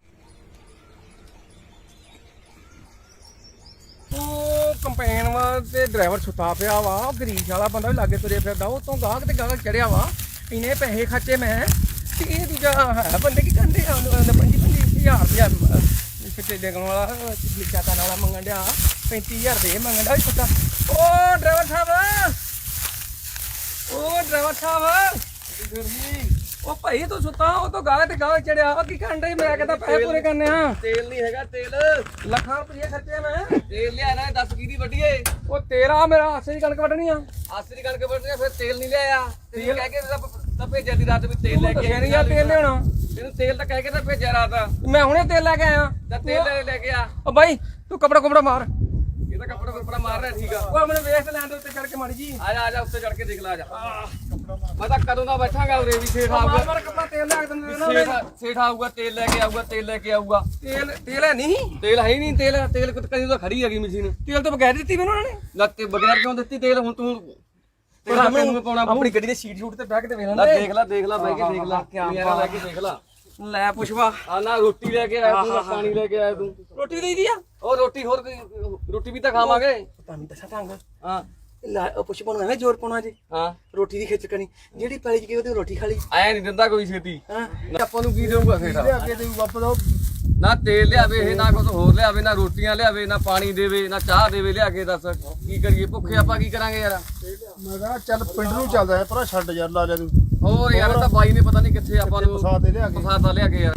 Speaker 2: ਉਹ ਕੰਪੈਨ ਵਾ ਤੇ ਡਰਾਈਵਰ ਸੁੱਤਾ ਪਿਆ ਵਾ ਉਹ ਗਰੀਬ ਵਾਲਾ ਬੰਦਾ ਵੀ ਲਾਗੇ ਤੁਰੇ ਫਿਰਦਾ ਉਹ ਤੋਂ ਗਾਹਕ ਤੇ ਗਾਹਕ ਚੜਿਆ ਵਾ ਇੰਨੇ ਪੈਸੇ ਖਰਚੇ ਮੈਂ ਤੇ ਇਹ ਦੂਜਾ ਹੈ ਬੰਦੇ ਕੀ ਕਹਿੰਦੇ ਆ ਉਹਨੇ ਪੰਜੀ ਪੰਜੀ ਹਜ਼ਾਰ ਰੁਪਇਆ ਛਿੱਟੇ ਡੇਗਣ ਵਾਲਾ ਚਾਤਾ ਵਾਲਾ ਮੰਗਣ ਡਿਆ ਪੈਂਤੀ ਹਜ਼ਾਰ ਦੇ ਮੰਗਣ ਡਿਆ ਛੁੱਟਾ ਉਹ ਡਰਾਈਵਰ ਸਾਹਿਬ ਉਹ ਡਰਾਈਵਰ ਸਾਹਿਬ ਉਹ ਭਾਈ ਤੂੰ ਸੁੱਤਾ ਉਹ ਤੋਂ ਗਾਹ ਤੇ ਗਾਹ ਚੜਿਆ ਉਹ ਕੀ ਕਰਨ ਡਈ ਮੈਂ ਕਹਿੰਦਾ ਪੈਸੇ ਪੂਰੇ ਕਰਨੇ ਆ
Speaker 5: ਤੇਲ ਨਹੀਂ ਹੈਗਾ ਤੇਲ
Speaker 2: ਲੱਖਾਂ ਰੁਪਏ ਖਰਚੇ ਮੈਂ
Speaker 5: ਤੇਲ ਲਿਆਣਾ ਹੈ ਦਸ ਕਿਹਦੀ ਵੱਡੀਏ
Speaker 2: ਉਹ ਤੇਰਾ ਮੇਰਾ ਆਸੇ ਦੀ ਕਣਕ ਵੱਢਣੀ ਆ
Speaker 5: ਆਸਰੀ ਕਣਕ ਵੱਢਣੀ ਫਿਰ ਤੇਲ ਨਹੀਂ ਲਿਆਇਆ ਤੇਲ ਕਹਿ ਕੇ ਤਾਂ ਭੇਜਿਆ ਦੀ ਰਾਤ ਵੀ ਤੇਲ ਲੈ ਕੇ
Speaker 2: ਫੇਰ ਯਾਰ ਤੇਲ ਲਿਆਉਣਾ
Speaker 5: ਤੈਨੂੰ ਤੇਲ ਤਾਂ ਕਹਿ ਕੇ ਤਾਂ ਭੇਜਿਆ ਰਾਤ
Speaker 2: ਮੈਂ ਹੁਣੇ ਤੇਲ ਲੈ ਕੇ ਆਇਆ
Speaker 5: ਤਾਂ ਤੇਲ ਲੈ- ਲੈ ਕੇ ਆ
Speaker 2: ਉਹ ਬਾਈ ਤੂੰ ਕਪੜਾ ਕੁਪੜਾ ਮਾਰ
Speaker 5: ਇਹ ਤਾਂ ਕੱਪੜਾ ਕੱਪੜਾ ਮਾਰ ਰਿਹਾ ਠੀਕ ਆ
Speaker 2: ਉਹ ਮੈਨੂੰ ਵੇਖ ਲੈਣ ਦੇ ਉੱਤੇ ਚੜ ਕੇ ਮਾੜੀ ਜੀ
Speaker 5: ਆ ਜਾ ਆ ਜਾ ਉੱਤੇ ਚੜ ਕੇ ਦੇਖ ਲੈ ਆ ਜਾ ਮੈਂ ਤਾਂ ਕਦੋਂ ਦਾ ਬੈਠਾਂਗਾ ਉਰੇ ਵੀ ਸੇਠ
Speaker 2: ਮਾਰ
Speaker 5: ਆਊਗਾ
Speaker 2: ਮਾਰ ਕਪੜਾ ਤੇਲ ਲੈ ਕੇ ਦਿੰਦੇ ਨਾ
Speaker 5: ਸੇਠ ਸੇਠ ਆਊਗਾ ਤੇਲ ਲੈ ਕੇ ਆਊਗਾ ਤੇਲ ਲੈ ਕੇ ਆਊਗਾ
Speaker 2: ਤੇਲ ਤੇਲ ਹੈ ਨਹੀਂ
Speaker 5: ਤੇਲ ਹੈ ਹੀ ਨਹੀਂ ਤੇਲ ਤੇਲ ਕਦੀ ਤਾਂ ਖੜੀ ਹੈਗੀ ਮਸ਼ੀਨ
Speaker 2: ਤੇਲ ਤੋਂ ਬਗੈਰ ਦਿੱਤੀ ਮੈਨੂੰ ਉਹਨਾਂ ਨੇ
Speaker 5: ਲੱਤੇ ਬਗੈਰ ਕਿਉਂ ਦਿੱਤੀ ਤੇਲ ਹੁਣ ਤੂੰ ਤੇਰਾ ਮੈਨੂੰ ਪਾਉਣਾ
Speaker 2: ਆਪਣੀ ਗੱਡੀ ਦੇ ਸੀਟ ਸ਼ੂਟ ਤੇ ਬਹਿ ਕੇ ਤੇ ਵੇਖ
Speaker 5: ਲੈ
Speaker 2: ਲੈਂਦੇ
Speaker 5: ਦੇਖ ਲੈ ਦੇਖ ਲੈ ਬਹਿ ਕੇ ਦੇਖ ਲੈ ਯਾਰਾ ਲੈ ਕੇ ਦੇਖ ਲੈ
Speaker 2: ਲੈ ਪੁੱਛਵਾ
Speaker 5: ਆ ਨਾ ਰੋਟੀ ਲੈ ਕੇ ਆਇਆ ਤੂੰ ਨਾ ਪਾਣੀ ਲੈ ਕੇ ਆਇਆ ਤੂੰ
Speaker 2: ਰੋਟੀ ਲਈ ਦੀ ਆ
Speaker 5: ਉਹ ਰੋਟੀ ਹੋਰ ਕੋਈ- ਰੋਟੀ ਵੀ ਤਾਂ ਖਾਵਾਂਗੇ
Speaker 2: ਪਤਾ ਨਹੀਂ ਦੱਸਾਂ ਢੰਗ
Speaker 5: ਹਾਂ
Speaker 2: ਲੈ ਉਹ ਪੁੱਛ ਪਾਉਣਾ ਐਵੇਂ ਜ਼ੋਰ ਪਾਉਣਾ ਜੀ
Speaker 5: ਹਾਂ
Speaker 2: ਰੋਟੀ ਦੀ ਖਿੱਚ ਕਰਨੀ ਜਿਹੜੀ ਪੈਲੀ ਚ ਗਈ ਉਹਦੀ ਰੋਟੀ ਖਾ ਲਈ
Speaker 5: ਆਇਆ ਨਹੀਂ ਦਿੰਦਾ ਕੋਈ ਛੇਤੀ
Speaker 2: ਹਾਂ
Speaker 5: ਆਪਾਂ ਨੂੰ ਕੀ ਦੇਊਗਾ ਫੇਰ
Speaker 2: ਅੱਗੇ ਤੇ ਵਾਪਸ
Speaker 5: ਨਾ ਤੇਲ ਲਿਆਵੇ ਇਹ ਨਾ ਕੁਝ ਹੋਰ ਲਿਆਵੇ ਨਾ ਰੋਟੀਆਂ ਲਿਆਵੇ ਨਾ ਪਾਣੀ ਦੇਵੇ ਨਾ ਚਾਹ ਦੇਵੇ ਲਿਆ ਕੇ ਦੱਸ ਕੀ ਕਰੀਏ ਭੁੱਖੇ ਆਪਾਂ ਕੀ ਕਰਾਂਗੇ ਯਾਰ
Speaker 6: ਮੈਂ ਕਹਿੰਦਾ ਚੱਲ ਪਿੰਡ ਨੂੰ ਚੱਲਦਾ ਹੈ ਪਰ ਛੱਡ ਯਾਰ ਲਾ ਲਿਆ ਤੂੰ
Speaker 5: ਹੋਰ ਯਾਰ ਇਹ ਤਾਂ ਬਾਈ ਨੇ ਪਤਾ ਨਹੀਂ ਕਿੱਥੇ ਆਪਾਂ ਨੂੰ
Speaker 6: ਫਸਾ ਦੇ ਲਿਆ ਕੇ
Speaker 5: ਫਸਾਤਾ ਲਿਆ ਕੇ ਯਾਰ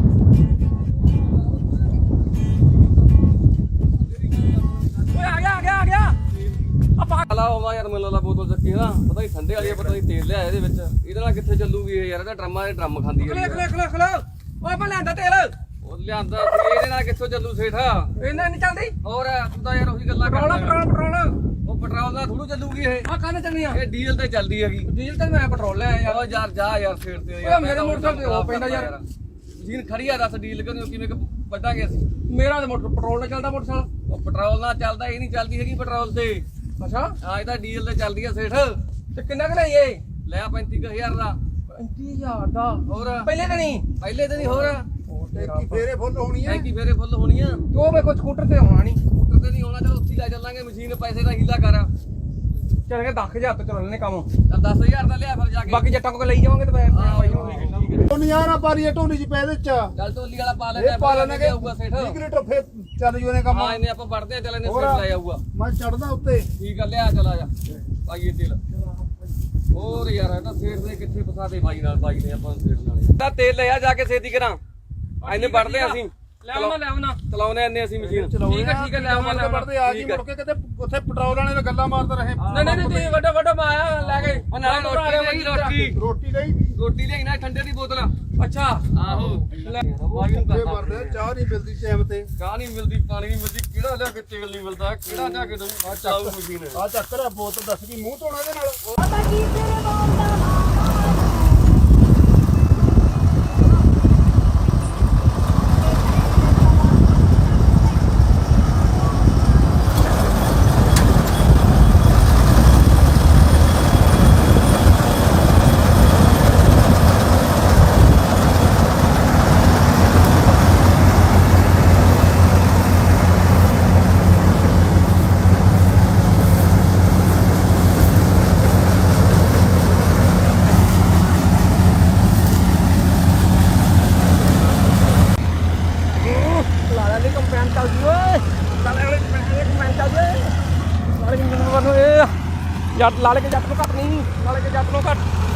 Speaker 2: ਓਏ ਆ ਗਿਆ ਆ ਗਿਆ ਆ ਗਿਆ ਆਪਾਂ
Speaker 5: ਲਾ ਹੋਵਾ ਯਾਰ ਮੈਨੂੰ ਲਾ ਬੋਤਲ ਚੱਕੀ ਨਾ ਪਤਾ ਨਹੀਂ ਠੰਡੇ ਵਾਲੀ ਆ, ਪਤਾ ਨਹੀਂ ਤੇਲ ਲਿਆਇਆ ਇਹਦੇ ਵਿੱਚ ਇਹਦੇ ਨਾਲ ਕਿੱਥੇ ਚੱਲੂਗੀ ਇਹ ਯਾਰ ਇਹਦਾ ਡਰਮਾਂ ਦੇ ਡਰਮ ਖਾਂਦੀ
Speaker 2: ਖਲੇ
Speaker 5: ਹੈ
Speaker 2: ਖਲੇ ਖਲੇ ਖਲੇ ਓਏ ਮੈਂ ਲੈਂਦਾ ਤੇਲ
Speaker 5: ਉਹ ਲਿਆਂਦਾ ਸੀ, ਇਹਦੇ ਨਾਲ ਕਿੱਥੋਂ ਚੱਲੂ ਸੇਠਾ
Speaker 2: ਇਹਨਾਂ ਨਹੀਂ ਚੱਲਦੀ
Speaker 5: ਹੋਰ ਤੂੰ ਤਾਂ ਯਾਰ ਉਹੀ ਗੱਲਾਂ
Speaker 2: ਪੈਟਰੋਲ
Speaker 5: ਕਰਦਾ
Speaker 2: ਪੈਟਰੋਲ ਪੈਟਰੋਲ
Speaker 5: ਉਹ ਪੈਟਰੋਲ ਨਾਲ ਥੋੜੂ ਚੱਲੂਗੀ ਇਹ
Speaker 2: ਆ ਕਾਹਨੇ ਚੱਲਣੀ ਆ
Speaker 5: ਇਹ ਡੀਜ਼ਲ ਤੇ ਚੱਲਦੀ ਹੈਗੀ
Speaker 2: ਡੀਜ਼ਲ ਤੇ ਮੈਂ ਪੈਟਰੋਲ ਲੈ ਆਇਆ
Speaker 5: ਯਾਰ ਯਾਰ ਜਾ ਯਾਰ ਫੇਰ ਤੇ
Speaker 2: ਓਏ ਮੇਰੇ ਮੋਟਰਸਾਈਕਲ ਤੇ ਉਹ ਪੈਂਦਾ ਯਾਰ।
Speaker 5: ਜੀਨ ਖੜੀ ਆ ਦੱਸ ਡੀਲ ਕਿਉਂ ਕਿਵੇਂ ਕਿ ਵੱਢਾਂਗੇ ਅਸੀਂ
Speaker 2: ਮੇਰਾ ਤੇ ਮੋਟਰ ਪੈਟਰੋਲ ਨਾਲ ਚੱਲਦਾ ਮੋਟਰਸਾਈਕਲ
Speaker 5: ਉਹ ਪੈਟਰੋਲ ਨਾਲ ਚੱਲਦਾ ਇਹ ਨਹੀਂ ਚੱਲਦੀ ਹੈਗੀ ਪੈਟਰੋਲ ਤੇ
Speaker 2: ਅੱਛਾ
Speaker 5: ਹਾਂ ਇਹ ਤਾਂ ਡੀਜ਼ਲ ਤੇ ਚੱਲਦੀ ਆ ਸੇਠ
Speaker 2: ਤੇ ਕਿੰਨਾ ਕੁ ਲਈਏ
Speaker 5: ਲੈ ਪੈਂਤੀ ਕੁ ਹਜ਼ਾਰ ਦਾ
Speaker 2: ਪੈਂਤੀ ਹਜ਼ਾਰ ਦਾ
Speaker 5: ਹੋਰ
Speaker 2: ਪਹਿਲੇ ਤਾਂ ਨਹੀਂ
Speaker 5: ਪਹਿਲੇ ਤੇ ਨਹੀਂ ਹੋਰ
Speaker 6: ਟੈਂਕੀ ਫੇਰੇ ਫੁੱਲ ਹੋਣੀ ਹੈ
Speaker 5: ਟੈਂਕੀ ਫੇਰੇ ਫੁੱਲ ਹੋਣੀਆਂ
Speaker 2: ਤੇ ਉਹ ਵੇ ਕੋਈ ਸਕੂਟਰ ਤੇ ਆਉਣਾ ਨਹੀਂ
Speaker 5: ਸਕੂਟਰ ਤੇ ਨਹੀਂ ਆਉਣਾ ਚਲ ਉੱਥੇ ਹੀ ਲੈ ਚੱਲਾਂਗੇ ਮਸ਼ੀਨ ਪੈਸੇ ਦਾ ਹੀਲਾ ਕਰ
Speaker 2: ਚੱਲ ਕੇ ਦਸ ਹਜ਼ਾਰ ਤੋਂ ਚੱਲ ਲੈਣੇ ਕੰਮ
Speaker 5: ਚੱਲ ਦਸ ਹਜ਼ਾਰ ਦਾ ਲਿਆ ਫਿਰ ਜਾ ਕੇ
Speaker 2: ਬਾਕੀ ਜੱਟਾਂ ਕੋਲ ਲਈ ਜਾਵਾਂਗੇ ਤੇ ਪੈਸੇ
Speaker 5: ਹਾਂ,
Speaker 2: ਪਾਈ
Speaker 5: ਠੀਕ
Speaker 2: ਜਾਵਾਂਗੇ
Speaker 5: ਹੈ, ਠੀਕ ਹੈ।
Speaker 6: ਉਹ ਨਜ਼ਾਰਾ ਪਾਰੀ ਢੋਲੀ ਚ ਪੈ ਦੇ ਚ
Speaker 5: ਚੱਲ ਢੋਲੀ ਵਾਲਾ ਪਾ ਲੈ
Speaker 6: ਇਹ ਪਾ ਲੈਣਾ ਕਿ
Speaker 5: ਆਊਗਾ ਸੇਠ
Speaker 6: ਵੀਹ ਲੀਟਰ ਫੇਰ ਚੱਲ ਜੂ ਇਹਨੇ ਕੰਮ
Speaker 5: ਹਾਂ ਇਹਨੇ ਆਪਾਂ ਵੜਦੇ ਆ ਚੱਲ ਇਹਨੇ
Speaker 6: ਹੋਰ।
Speaker 5: ਸੇਠ ਲੈ ਆਊਗਾ
Speaker 6: ਮੈਂ ਚੜਦਾ ਉੱਤੇ
Speaker 5: ਠੀਕ ਆ ਲਿਆ ਚਲਾ ਜਾ ਪਾਈਏ ਤੇਲ ਹੋਰ ਯਾਰ ਇਹ ਤਾਂ ਸੇਠ ਨੇ ਕਿੱਥੇ ਫਸਾਦੇ ਬਾਈ ਨਾਲ ਬਾਈ ਨੇ ਆਪਾਂ ਨੂੰ ਸੇਠ ਨਾਲ ਤਾਂ ਤੇਲ ਲਿਆ ਜਾ ਕੇ ਛੇਤੀ ਕਰਾਂ ਇਹਨੇ ਵੜਦੇ ਆ ਅਸੀਂ
Speaker 2: ਲੈ ਆਉਣਾ ਲੈ ਆਉਣਾ
Speaker 5: ਚਲਾਉਨੇ ਆਨੇ ਅਸੀਂ ਮਸ਼ੀਨ
Speaker 2: ਠੀਕ ਹੈ ਠੀਕ ਹੈ ਲੈ ਆਉਣਾ ਲੈ ਆਉਣਾ
Speaker 6: ਪੜਦੇ ਆ ਜੀ ਮੁੜ ਕੇ ਕਿਤੇ ਉੱਥੇ ਪੈਟਰੋਲ ਵਾਲੇ ਨਾਲ ਗੱਲਾਂ ਮਾਰਦੇ ਰਹੇ
Speaker 2: ਨਹੀਂ ਨਹੀਂ ਨਹੀਂ ਵੱਡਾ ਵੱਡਾ ਮਾਇਆ ਲੈ ਕੇ
Speaker 5: ਉਹ ਨਾਲ ਰੋਟੀ ਲਈ ਰੋਟੀ
Speaker 6: ਰੋਟੀ ਲਈ
Speaker 5: ਰੋਟੀ ਲਈ ਨਾ ਠੰਡੇ ਦੀ ਬੋਤਲ
Speaker 2: ਅੱਛਾ
Speaker 5: ਆਹੋ
Speaker 2: ਲੈ
Speaker 5: ਬਾਈ ਨੂੰ
Speaker 6: ਫੇਰ
Speaker 5: ਕਰਦਾ
Speaker 6: ਮਰਦੇ ਚਾਹ ਨਹੀਂ ਮਿਲਦੀ ਟਾਈਮ ਤੇ
Speaker 5: ਚਾਹ ਨਹੀਂ ਮਿਲਦੀ ਪਾਣੀ ਨਹੀਂ ਮਿਲਦੀ ਕਿਹੜਾ ਲਿਆ ਕੇ ਤੇਲ ਨਹੀਂ ਮਿਲਦਾ ਕਿਹੜਾ ਲਿਆ ਕੇ ਦਊ ਆ ਚਾਉ ਮਸ਼ੀਨ
Speaker 6: ਆ ਚੱਕਰ ਆ ਬੋਤਲ ਦੱਸ ਕੀ ਮੂੰਹ ਧੋਣਾ ਇਹਦੇ ਨਾਲ
Speaker 7: ਪਤਾ ਕੀ ਤੇਰੇ ਬੋਲਦਾ
Speaker 2: ਜੱਟ ਲਾਲੇ ਕੇ ਜੱਟ ਨੂੰ ਘੱਟ ਨਹੀਂ, ਲਾਲੇ ਕੇ ਜੱਟ ਨੂੰ ਘੱਟ।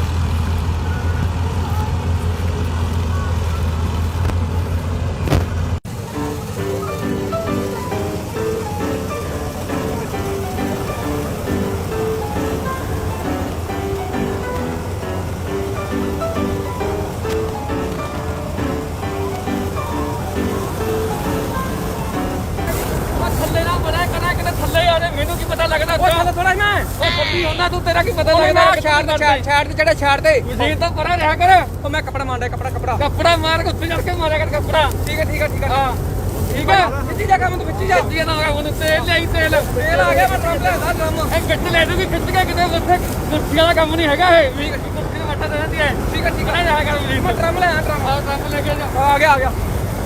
Speaker 5: ਥੱਲੇ ਨਾ ਬੜਾ ਕਰਾ ਕਿਤੇ ਥੱਲੇ ਆ ਜਾ ਮੈਨੂੰ ਕੀ ਪਤਾ ਲੱਗਦਾ
Speaker 2: ਉਹ ਥੱਲੇ ਥੋੜਾ ਮੈਂ
Speaker 5: ਉਹ ਪੱਤੀ ਹੁੰਦਾ ਤੂੰ ਤੇਰਾ ਕੀ ਪਤਾ
Speaker 2: ਉਹ
Speaker 5: ਲੱਗਦਾ
Speaker 2: ਮੈਂ ਛਾੜ ਦੇ ਛਾੜ ਛਾੜ ਦੇ ਜਿਹੜਾ ਛਾੜ ਦੇ
Speaker 5: ਮਸ਼ੀਨ ਤਾਂ ਪਰਾਂ ਰਿਹਾ ਕਰ
Speaker 2: ਉਹ ਮੈਂ ਕੱਪੜਾ ਮਾਰਦਾ ਕੱਪੜਾ ਕੱਪੜਾ
Speaker 5: ਕੱਪੜਾ ਮਾਰ ਕੇ ਉੱਤੇ ਚੜ ਕੇ ਮਾਰਿਆ ਕਰ ਕੱਪੜਾ
Speaker 2: ਠੀਕ ਹੈ ਠੀਕ ਹੈ ਠੀਕ ਹੈ
Speaker 5: ਹਾਂ ਠੀਕ ਹੈ
Speaker 2: ਵਿੱਚੀ ਜਾ ਕੰਮ ਤੂੰ ਵਿੱਚੀ ਜਾ
Speaker 5: ਜੀ ਨਾ ਹੋਇਆ ਹੁਣ ਤੇਲ ਲਿਆਈ ਤੇਲ
Speaker 2: ਤੇਲ ਆ ਗਿਆ ਮੈਂ ਟਰੰਪ ਲੈਦਾ ਡਰਮ
Speaker 5: ਇਹ ਗੱਟ ਲੈ ਦੂਗੀ ਖਿੱਚ ਕੇ ਕਿਤੇ ਉੱਥੇ ਕੁਰਸੀਆਂ ਦਾ ਕੰਮ ਨਹੀਂ ਹੈਗਾ ਇਹ ਵੀ ਕੁਰਸੀ ਨੂੰ ਵੱਟਾ ਦੇ ਦਿੰਦੀ ਹੈ
Speaker 2: ਠੀਕ ਹੈ ਠੀਕ ਹੈ
Speaker 5: ਜਾ ਕਰ ਮਸ਼ੀਨ
Speaker 2: ਮੈਂ ਡਰਮ ਲੈ ਆ ਡਰਮ
Speaker 5: ਆਹ ਕੰਮ ਲੈ ਕੇ ਜਾ
Speaker 2: ਆ ਗਿਆ ਆ ਗਿਆ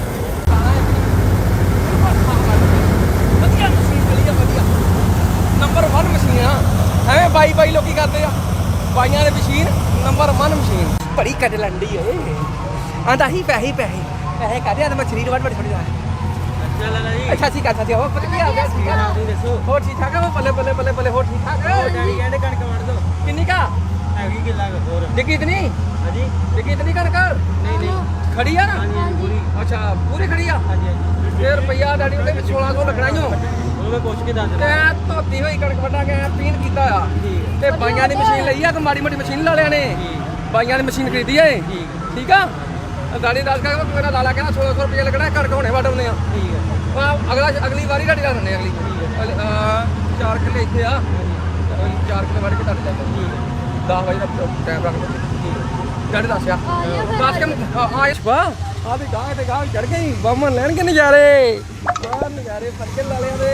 Speaker 2: ਵਧੀਆ ਮਸ਼ੀਨ ਵਧੀਆ ਵਧੀਆ ਨੰਬਰ ਇੱਕ ਮਸ਼ੀਨ ਆ ਐਵੇਂ ਬਾਈ ਬਾਈ ਲੋਕੀ ਕਰਦੇ ਆ ਬਾਈਆਂ ਦੇ ਮਸ਼ੀਨ ਨੰਬਰ ਇੱਕ ਮਸ਼ੀਨ ਬੜੀ ਕੱਢ ਲੰਡੀ ਓਏ ਆਂਦਾ ਹੀ ਪੈਸੇ ਪੈਸੇ ਪੈਸੇ ਕਾਦੇ ਆ ਮੈਂ ਸਰੀਰ ਵੱਡ ਵੱਡ ਛੱਡ ਜਾ
Speaker 5: ਚੱਲ ਲੈ ਜੀ
Speaker 2: ਅੱਛਾ ਸੀ ਕਰਦਾ ਸੀ ਉਹ ਪਤਾ ਕੀ ਆ ਗਿਆ ਸੀ
Speaker 5: ਤੁਸੀਂ ਦੱਸੋ
Speaker 2: ਹੋਰ ਠੀਕ ਠਾਕ ਆ ਉਹ ਬੱਲੇ ਬੱਲੇ ਬੱਲੇ ਬੱਲੇ ਹੋਰ ਠੀਕ ਠਾਕ
Speaker 5: ਡੈਡੀ ਕਹਿੰਦੇ ਕਣਕ ਵੜ ਦੋ
Speaker 2: ਕਿੰਨੀ ਕਾ
Speaker 5: ਹੈਗੀ ਕਿੱਲਾ ਹੋਰ
Speaker 2: ਡਿੱਗੀ ਇਤਨੀ
Speaker 5: ਹਾਂਜੀ
Speaker 2: ਡਿੱਗੀ ਇਤਨੀ ਕਣਕ
Speaker 5: ਨਹੀਂ ਨਹੀਂ
Speaker 2: ਖੜੀ ਆ ਨਾ
Speaker 5: ਹਾਂਜੀ ਪੂਰੀ
Speaker 2: ਅੱਛਾ ਪੂਰੀ ਖੜੀ ਆ
Speaker 5: ਹਾਂਜੀ ਹਾਂਜੀ
Speaker 2: ਫੇਰ ਰੁਪਈਆ ਡੈਡੀ ਉਹਦੇ ਵਿੱਚ ਸੋਲਾਂ ਸੌ ਲੱਗਣਾ ਈ ਓ
Speaker 5: ਉਹ ਮੈਂ ਪੁੱਛ ਕੇ ਦੱਸ
Speaker 2: ਤੇ ਧੋਤੀ ਹੋਈ ਕਣਕ ਵੱਢਾ ਕੇ ਪੀਣ ਕੀਤਾ ਆ
Speaker 5: ਠੀਕ
Speaker 2: ਤੇ ਬਾਈਆਂ ਦੀ ਮਸ਼ੀਨ ਲਈ ਆ ਕਿ ਮਾੜੀ ਮੋਟੀ ਮਸ਼ੀਨ ਲਾ ਲਿਆ ਨੇ ਬਾਈਆਂ ਦੀ ਮਸ਼ੀਨ ਖਰੀਦੀ ਏ
Speaker 5: ਠੀਕ
Speaker 2: ਠੀਕ ਆ ਦਾੜੀ ਦੱਸ ਕੇ ਮੇਰਾ ਲਾਲਾ ਕਹਿੰਦਾ ਸੋਲਾਂ ਸੌ ਰੁਪਏ ਲੱਗਣਾ ਕਣਕ ਹੁਣੇ ਵੱਢ ਆਉਂਦੇ ਆ
Speaker 5: ਠੀਕ ਹੈ
Speaker 2: ਆਹ ਅਗਲਾ ਅਗਲੀ ਵਾਰੀ ਢਾਡੀ ਲਾ ਦਿੰਦੇ ਆ ਅਗਲੀ ਅਗਲੀ- ਅਹ ਚਾਰ ਕਿੱਲੇ ਇੱਥੇ ਆ ਅਗਲੀ ਚਾਰ ਕਿੱਲੇ ਵੱਢ ਕੇ ਢਾਡੀ ਲੈ ਜਾਂਦੇ ਦਸ ਵਜੇ ਦਾ ਟਾਈਮ ਰੱਖ ਦਿੰਦੇ ਢਾਡੀ ਦੱਸਿਆ ਦੱਸ ਕੇ ਆ ਇਸ਼ਵਾ ਆ ਵੀ ਗਾਹ ਤੇ ਗਾਹ ਚੜ ਗਈ ਬੰਮਨ ਲੈਣਗੇ ਨਜ਼ਾਰੇ ਆ ਨਜ਼ਾਰੇ ਫਰਕੇ ਲਾਲਿਆਂ ਦੇ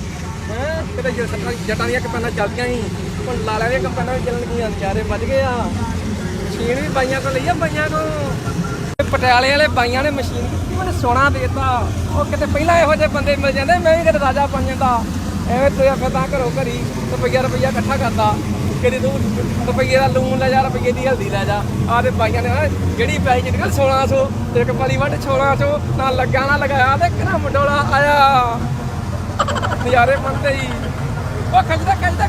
Speaker 2: ਹੈ ਕਿਤੇ ਜੇ ਸੱਤਾਂ ਜੱਟਾਂ ਦੀਆਂ ਕਪਾਨਾਂ ਚੱਲਦੀਆਂ ਸੀ ਹੁਣ ਲਾਲਿਆਂ ਦੀਆਂ ਕਪਾਨਾਂ ਵੀ ਚੱਲਣ ਗਈਆਂ ਨਜ਼ਾਰੇ ਵੱਜ ਗਏ ਆ ਮਸ਼ੀਨ ਵੀ ਬਾਈਆਂ ਕੋਲ ਲਈ ਆ ਬਾਈਆਂ ਕੋਲ ਪਟਿਆਲੇ ਵਾਲੇ ਬਾਈਆਂ ਨੇ ਮਸ਼ੀਨ ਕੀਤੀ ਮੈਨੂੰ ਸੋਨਾ ਦੇਤਾ ਉਹ ਕਿਤੇ ਪਹਿਲਾਂ ਇਹੋ ਜਿਹੇ ਬੰਦੇ ਮਿਲ ਜਾਂਦੇ ਮੈਂ ਵੀ ਕਿਤੇ ਰਾਜਾ ਬਣ ਜਾਂਦਾ ਐਵੇਂ ਤੁਰਿਆ ਫਿਰਦਾ ਘਰੋਂ ਘਰੀ ਰੁਪਈਆ ਰੁਪਈਆ ਇਕੱਠਾ ਕਰਦਾ ਕਿਤੇ ਤੂੰ ਰੁਪਈਏ ਦਾ ਲੂਣ ਲੈ ਜਾ ਰੁਪਈਏ ਦੀ ਹਲਦੀ ਲੈ ਜਾ ਆਹ ਤੇ ਬਾਈਆਂ ਨੇ ਨਾ ਜਿਹੜੀ ਪੈਸੇ ਜਿੱਤ ਸੋਲਾਂ ਸੌ ਤੇ ਇੱਕ ਪਾਲੀ ਵੱਢ ਸੋਲਾਂ ਸੌ ਨਾ ਲੱਗਾ ਨਾ ਲਗਾਇਆ ਤੇ ਕਿਹੜਾ ਮੁੰਡੋਲਾ ਆਇਆ ਨਜ਼ਾਰੇ ਮੰਨਦੇ ਹੀ ਉਹ ਖਿੱਚਦਾ ਖਿੱਚਦਾ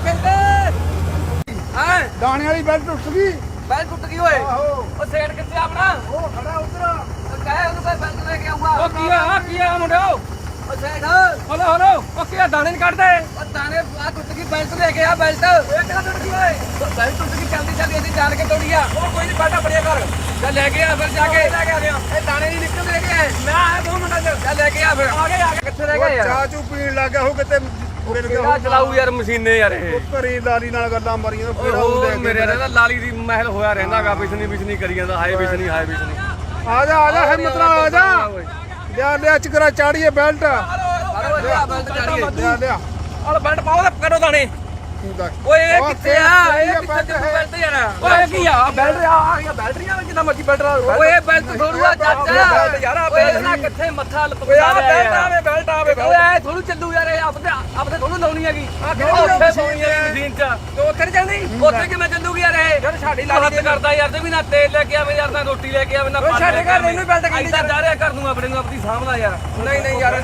Speaker 2: ਖਿੱਚਦੇ ਹਾਂ
Speaker 6: ਦਾਣੇ ਵਾਲੀ ਬੈਲਟ ਟੁੱਟ ਗਈ
Speaker 2: ਬੈਲ ਟੁੱਟ ਗਈ ਓਏ
Speaker 6: ਆਹੋ
Speaker 2: ਉਹ ਸੇਠ ਕਿੱਥੇ ਆਪਣਾ
Speaker 6: ਉਹ ਖੜਾ ਉਧਰ
Speaker 2: ਕਹੇ ਉਹਨੂੰ ਕੋਈ ਬੈਲਟ ਲੈ ਕੇ ਆਊਗਾ ਉਹ ਕੀ ਆ ਕੀ ਆ ਮੁੰਡਿਓ ਉਹ ਸੇਠ ਹਲੋ ਹਲੋ ਉਹ ਕੀ ਆ ਦਾਣੇ ਨਹੀਂ ਕੱਢਦੇ ਉਹ ਦਾਣੇ ਆ ਟੁੱਟ ਗਈ ਬੈਲਟ ਲੈ ਕੇ ਆ ਬੈਲਟ ਇਹ ਕਿਹੜਾ ਟੁੱਟ ਗਈ ਓਏ ਬੈਲਟ ਟੁੱਟ ਗਈ ਚੱਲਦੀ ਚੱਲਦੀ ਅਸੀਂ ਜਾਣ ਕੇ ਤੋੜੀ ਆ ਉਹ ਕੋਈ ਨਹੀਂ ਬੈਠਾ ਬੜਿਆ ਕਰ ਜਾ ਲੈ ਕੇ ਆ ਫਿਰ ਜਾ ਕੇ ਲੈ ਕੇ ਆ ਗਿਆ ਇਹ ਦਾਣੇ ਨਹੀਂ ਨਿਕਲਦੇ ਲੈ ਕੇ ਆਏ ਮੈਂ ਆਇਆ ਦੋ ਮਿੰਟਾਂ ਚ ਜਾ ਲੈ ਕੇ ਆ ਫਿਰ ਆ ਗਏ ਆ ਗਏ ਕਿੱਥੇ ਰਹਿ ਗਏ ਯਾਰ
Speaker 6: ਚਾਹ ਚੂ ਪੀਣ ਲੱਗ ਗਿਆ ਉਹ ਕਿਤੇ ਮਿਲ ਗਿਆ
Speaker 2: ਕਿਹੜਾ ਚਲਾਊ ਯਾਰ ਮਸ਼ੀਨੇ ਯਾਰ ਇਹ
Speaker 6: ਘਰੀ ਲਾਲੀ ਨਾਲ ਗੱਲਾਂ ਮਾਰੀਆਂ ਫਿਰ ਆਉਂ
Speaker 5: ਉਹ
Speaker 6: ਲੈ
Speaker 5: ਮੇਰੇ
Speaker 6: ਕੇ
Speaker 5: ਰਹਿੰਦਾ ਲਾਲੀ ਦੀ ਮਹਿਲ ਹੋਇਆ ਰਹਿੰਦਾਗਾ ਬਿਸਨੀ ਬਿਸਨੀ ਕਰੀ ਜਾਂਦਾ ਹਾਏ ਬਿਸਨੀ ਹਾਏ ਬਿਸਨੀ
Speaker 6: ਆ ਜਾ ਆ ਜਾ ਹਿੰਮਤ ਨਾਲ ਆ ਜਾ ਲਿਆ ਲਿਆ ਚਕਰਾ ਚਾੜੀਏ ਬੈਲਟ
Speaker 2: ਹਲੋ ਲਿਆ ਬੈਲਟ ਚਾੜੀਏ
Speaker 6: ਲਿਆ ਲਿਆ
Speaker 2: ਹਲ ਬੈਲਟ ਪਾਓ ਤੇ ਕੱਢੋ ਦਾਣੇ ਓਏ ਇਹ ਕਿੱਥੇ ਆ ਇਹ ਕਿੱਥੇ ਤੇ ਬੈਲਟ ਯਾਰ ਓਏ ਕੀ ਆ ਬੈਲਟ ਆ ਆ ਗਿਆ ਬੈਲਟ ਨਹੀਂ ਜਿੰਨਾ ਮਰਜੀ ਬੈਲਟ ਓਏ ਇਹ ਬੈਲਟ ਥੋੜੂਆ ਚਾਚਾ ਬੈਲਟ ਯਾਰ ਆ ਬੈਲਟ ਨਾ ਕਿੱਥੇ ਮੱਥਾ
Speaker 5: ਓਏ ਆ ਬੈਲਟ
Speaker 2: ਆਵੇ ਬੈਲਟ ਆਵੇ ਓਏ ਐ ਥੋੜੂ ਚੱਲੂ ਯਾਰ ਇਹ ਆਪਦੇ ਆਪਦੇ ਥੋੜੂ ਲਾਉਣੀ ਹੈਗੀ ਆ ਕਿਹੜੀ ਉੱਥੇ ਪਾਉਣੀ ਹੈ ਮਸ਼ੀਨ ਚ ਤੇ ਉੱਥੇ ਨਹੀਂ ਚੱਲਦੀ ਉੱਥੇ ਕਿਵੇਂ ਚੱਲੂਗੀ ਯਾਰ ਇਹ ਯਾਰ ਸਾਡੀ ਲਾਲੀ ਕਰਦਾ ਯਾਰ ਤੇ ਵੀ ਨਾ ਤੇਲ ਲੈ ਕੇ ਆਵੇ ਯਾਰ ਨਾ ਰੋਟੀ ਲੈ ਕੇ ਆਵੇ ਨਾ ਪਾਣੀ ਸਾਡੇ ਘਰ ਇਹਨੂੰ ਬੈਲਟ ਕਹਿੰਦੀ ਜਾ ਰਿਹਾ ਕਰ ਦੂੰ ਆਪਣੇ ਨੂੰ ਆਪਣੀ ਸਾਹਮਣਾ ਯਾਰ ਨਹੀਂ ਨਹੀਂ ਯਾਰ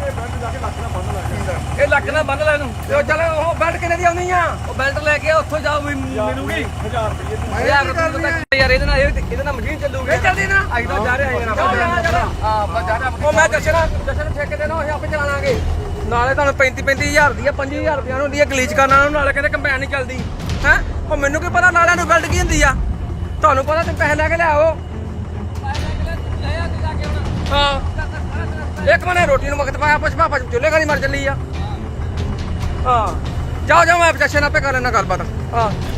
Speaker 2: ਇਹ ਲੱਕ ਨਾ ਬੰਨ ਲੈ ਇਹਨੂੰ ਤੇ ਚੱਲ ਉਹ ਬੈਲਟ ਕਿੰਨੇ ਦੀ ਆਉਣੀ ਆ ਉਹ ਬੈਲਟ ਲੈ ਕੇ ਉੱਥੋਂ ਜਾਓ ਵੀ ਮਿਲੂਗੀ ਹਜ਼ਾਰ ਰੁਪਏ ਯਾਰ ਯਾਰ ਇਹਦੇ ਨਾਲ ਇਹਦੇ ਨਾਲ ਮਸ਼ੀਨ ਚੱਲੂਗੀ ਇਹ ਚੱਲਦੀ ਨਾ ਅਸੀਂ ਤਾਂ ਜਾ ਰਹੇ ਹਾਂ ਹਾਂ ਆਪਾਂ ਜਾ ਰਹੇ ਉਹ ਮੈਂ ਜਸ਼ਨ ਜਸ਼ਨ ਠੇਕੇ ਦੇ ਨਾ ਅਸੀਂ ਆਪੇ ਚਲਾਵਾਂਗੇ ਨਾਲੇ ਤੁਹਾਨੂੰ ਪੈਂਤੀ ਪੈਂਤੀ ਹਜ਼ਾਰ ਦੀ ਆ ਪੰਜੀ ਹਜ਼ਾਰ ਰੁਪਏ ਨੂੰ ਹੁੰਦੀ ਆ ਗਲੀਚ ਕਰਨ ਨਾਲ ਨਾਲੇ ਕਹਿੰਦੇ ਕੰਬਾਈਨ ਨਹੀਂ ਚੱਲਦੀ ਹੈ ਉਹ ਮੈਨੂੰ ਕੀ ਪਤਾ ਨਾਲਿਆਂ ਨੂੰ ਬੈਲਟ ਕੀ ਹੁੰਦੀ ਆ ਤੁਹਾਨੂੰ ਪਤਾ ਤੁਸੀਂ ਪੈਸੇ ਲੈ ਕੇ ਲਿਆਓ ਹਾਂ ਇੱਕ ਮਨੇ ਰੋਟੀ ਨੂੰ ਵਕਤ ਪਾਇਆ ਪੁਸ਼ਪਾ ਪਾ ਚੁੱਲੇ ਘਰੀ ਮਰ ਚੱਲੀ ਆ ਹਾਂ ਜਾਓ ਜਾਓ ਮੈਂ ਜਸ਼ਨ ਆਪੇ ਕਰ ਲੈਣਾ ਗੱਲਬਾਤ ਹਾਂ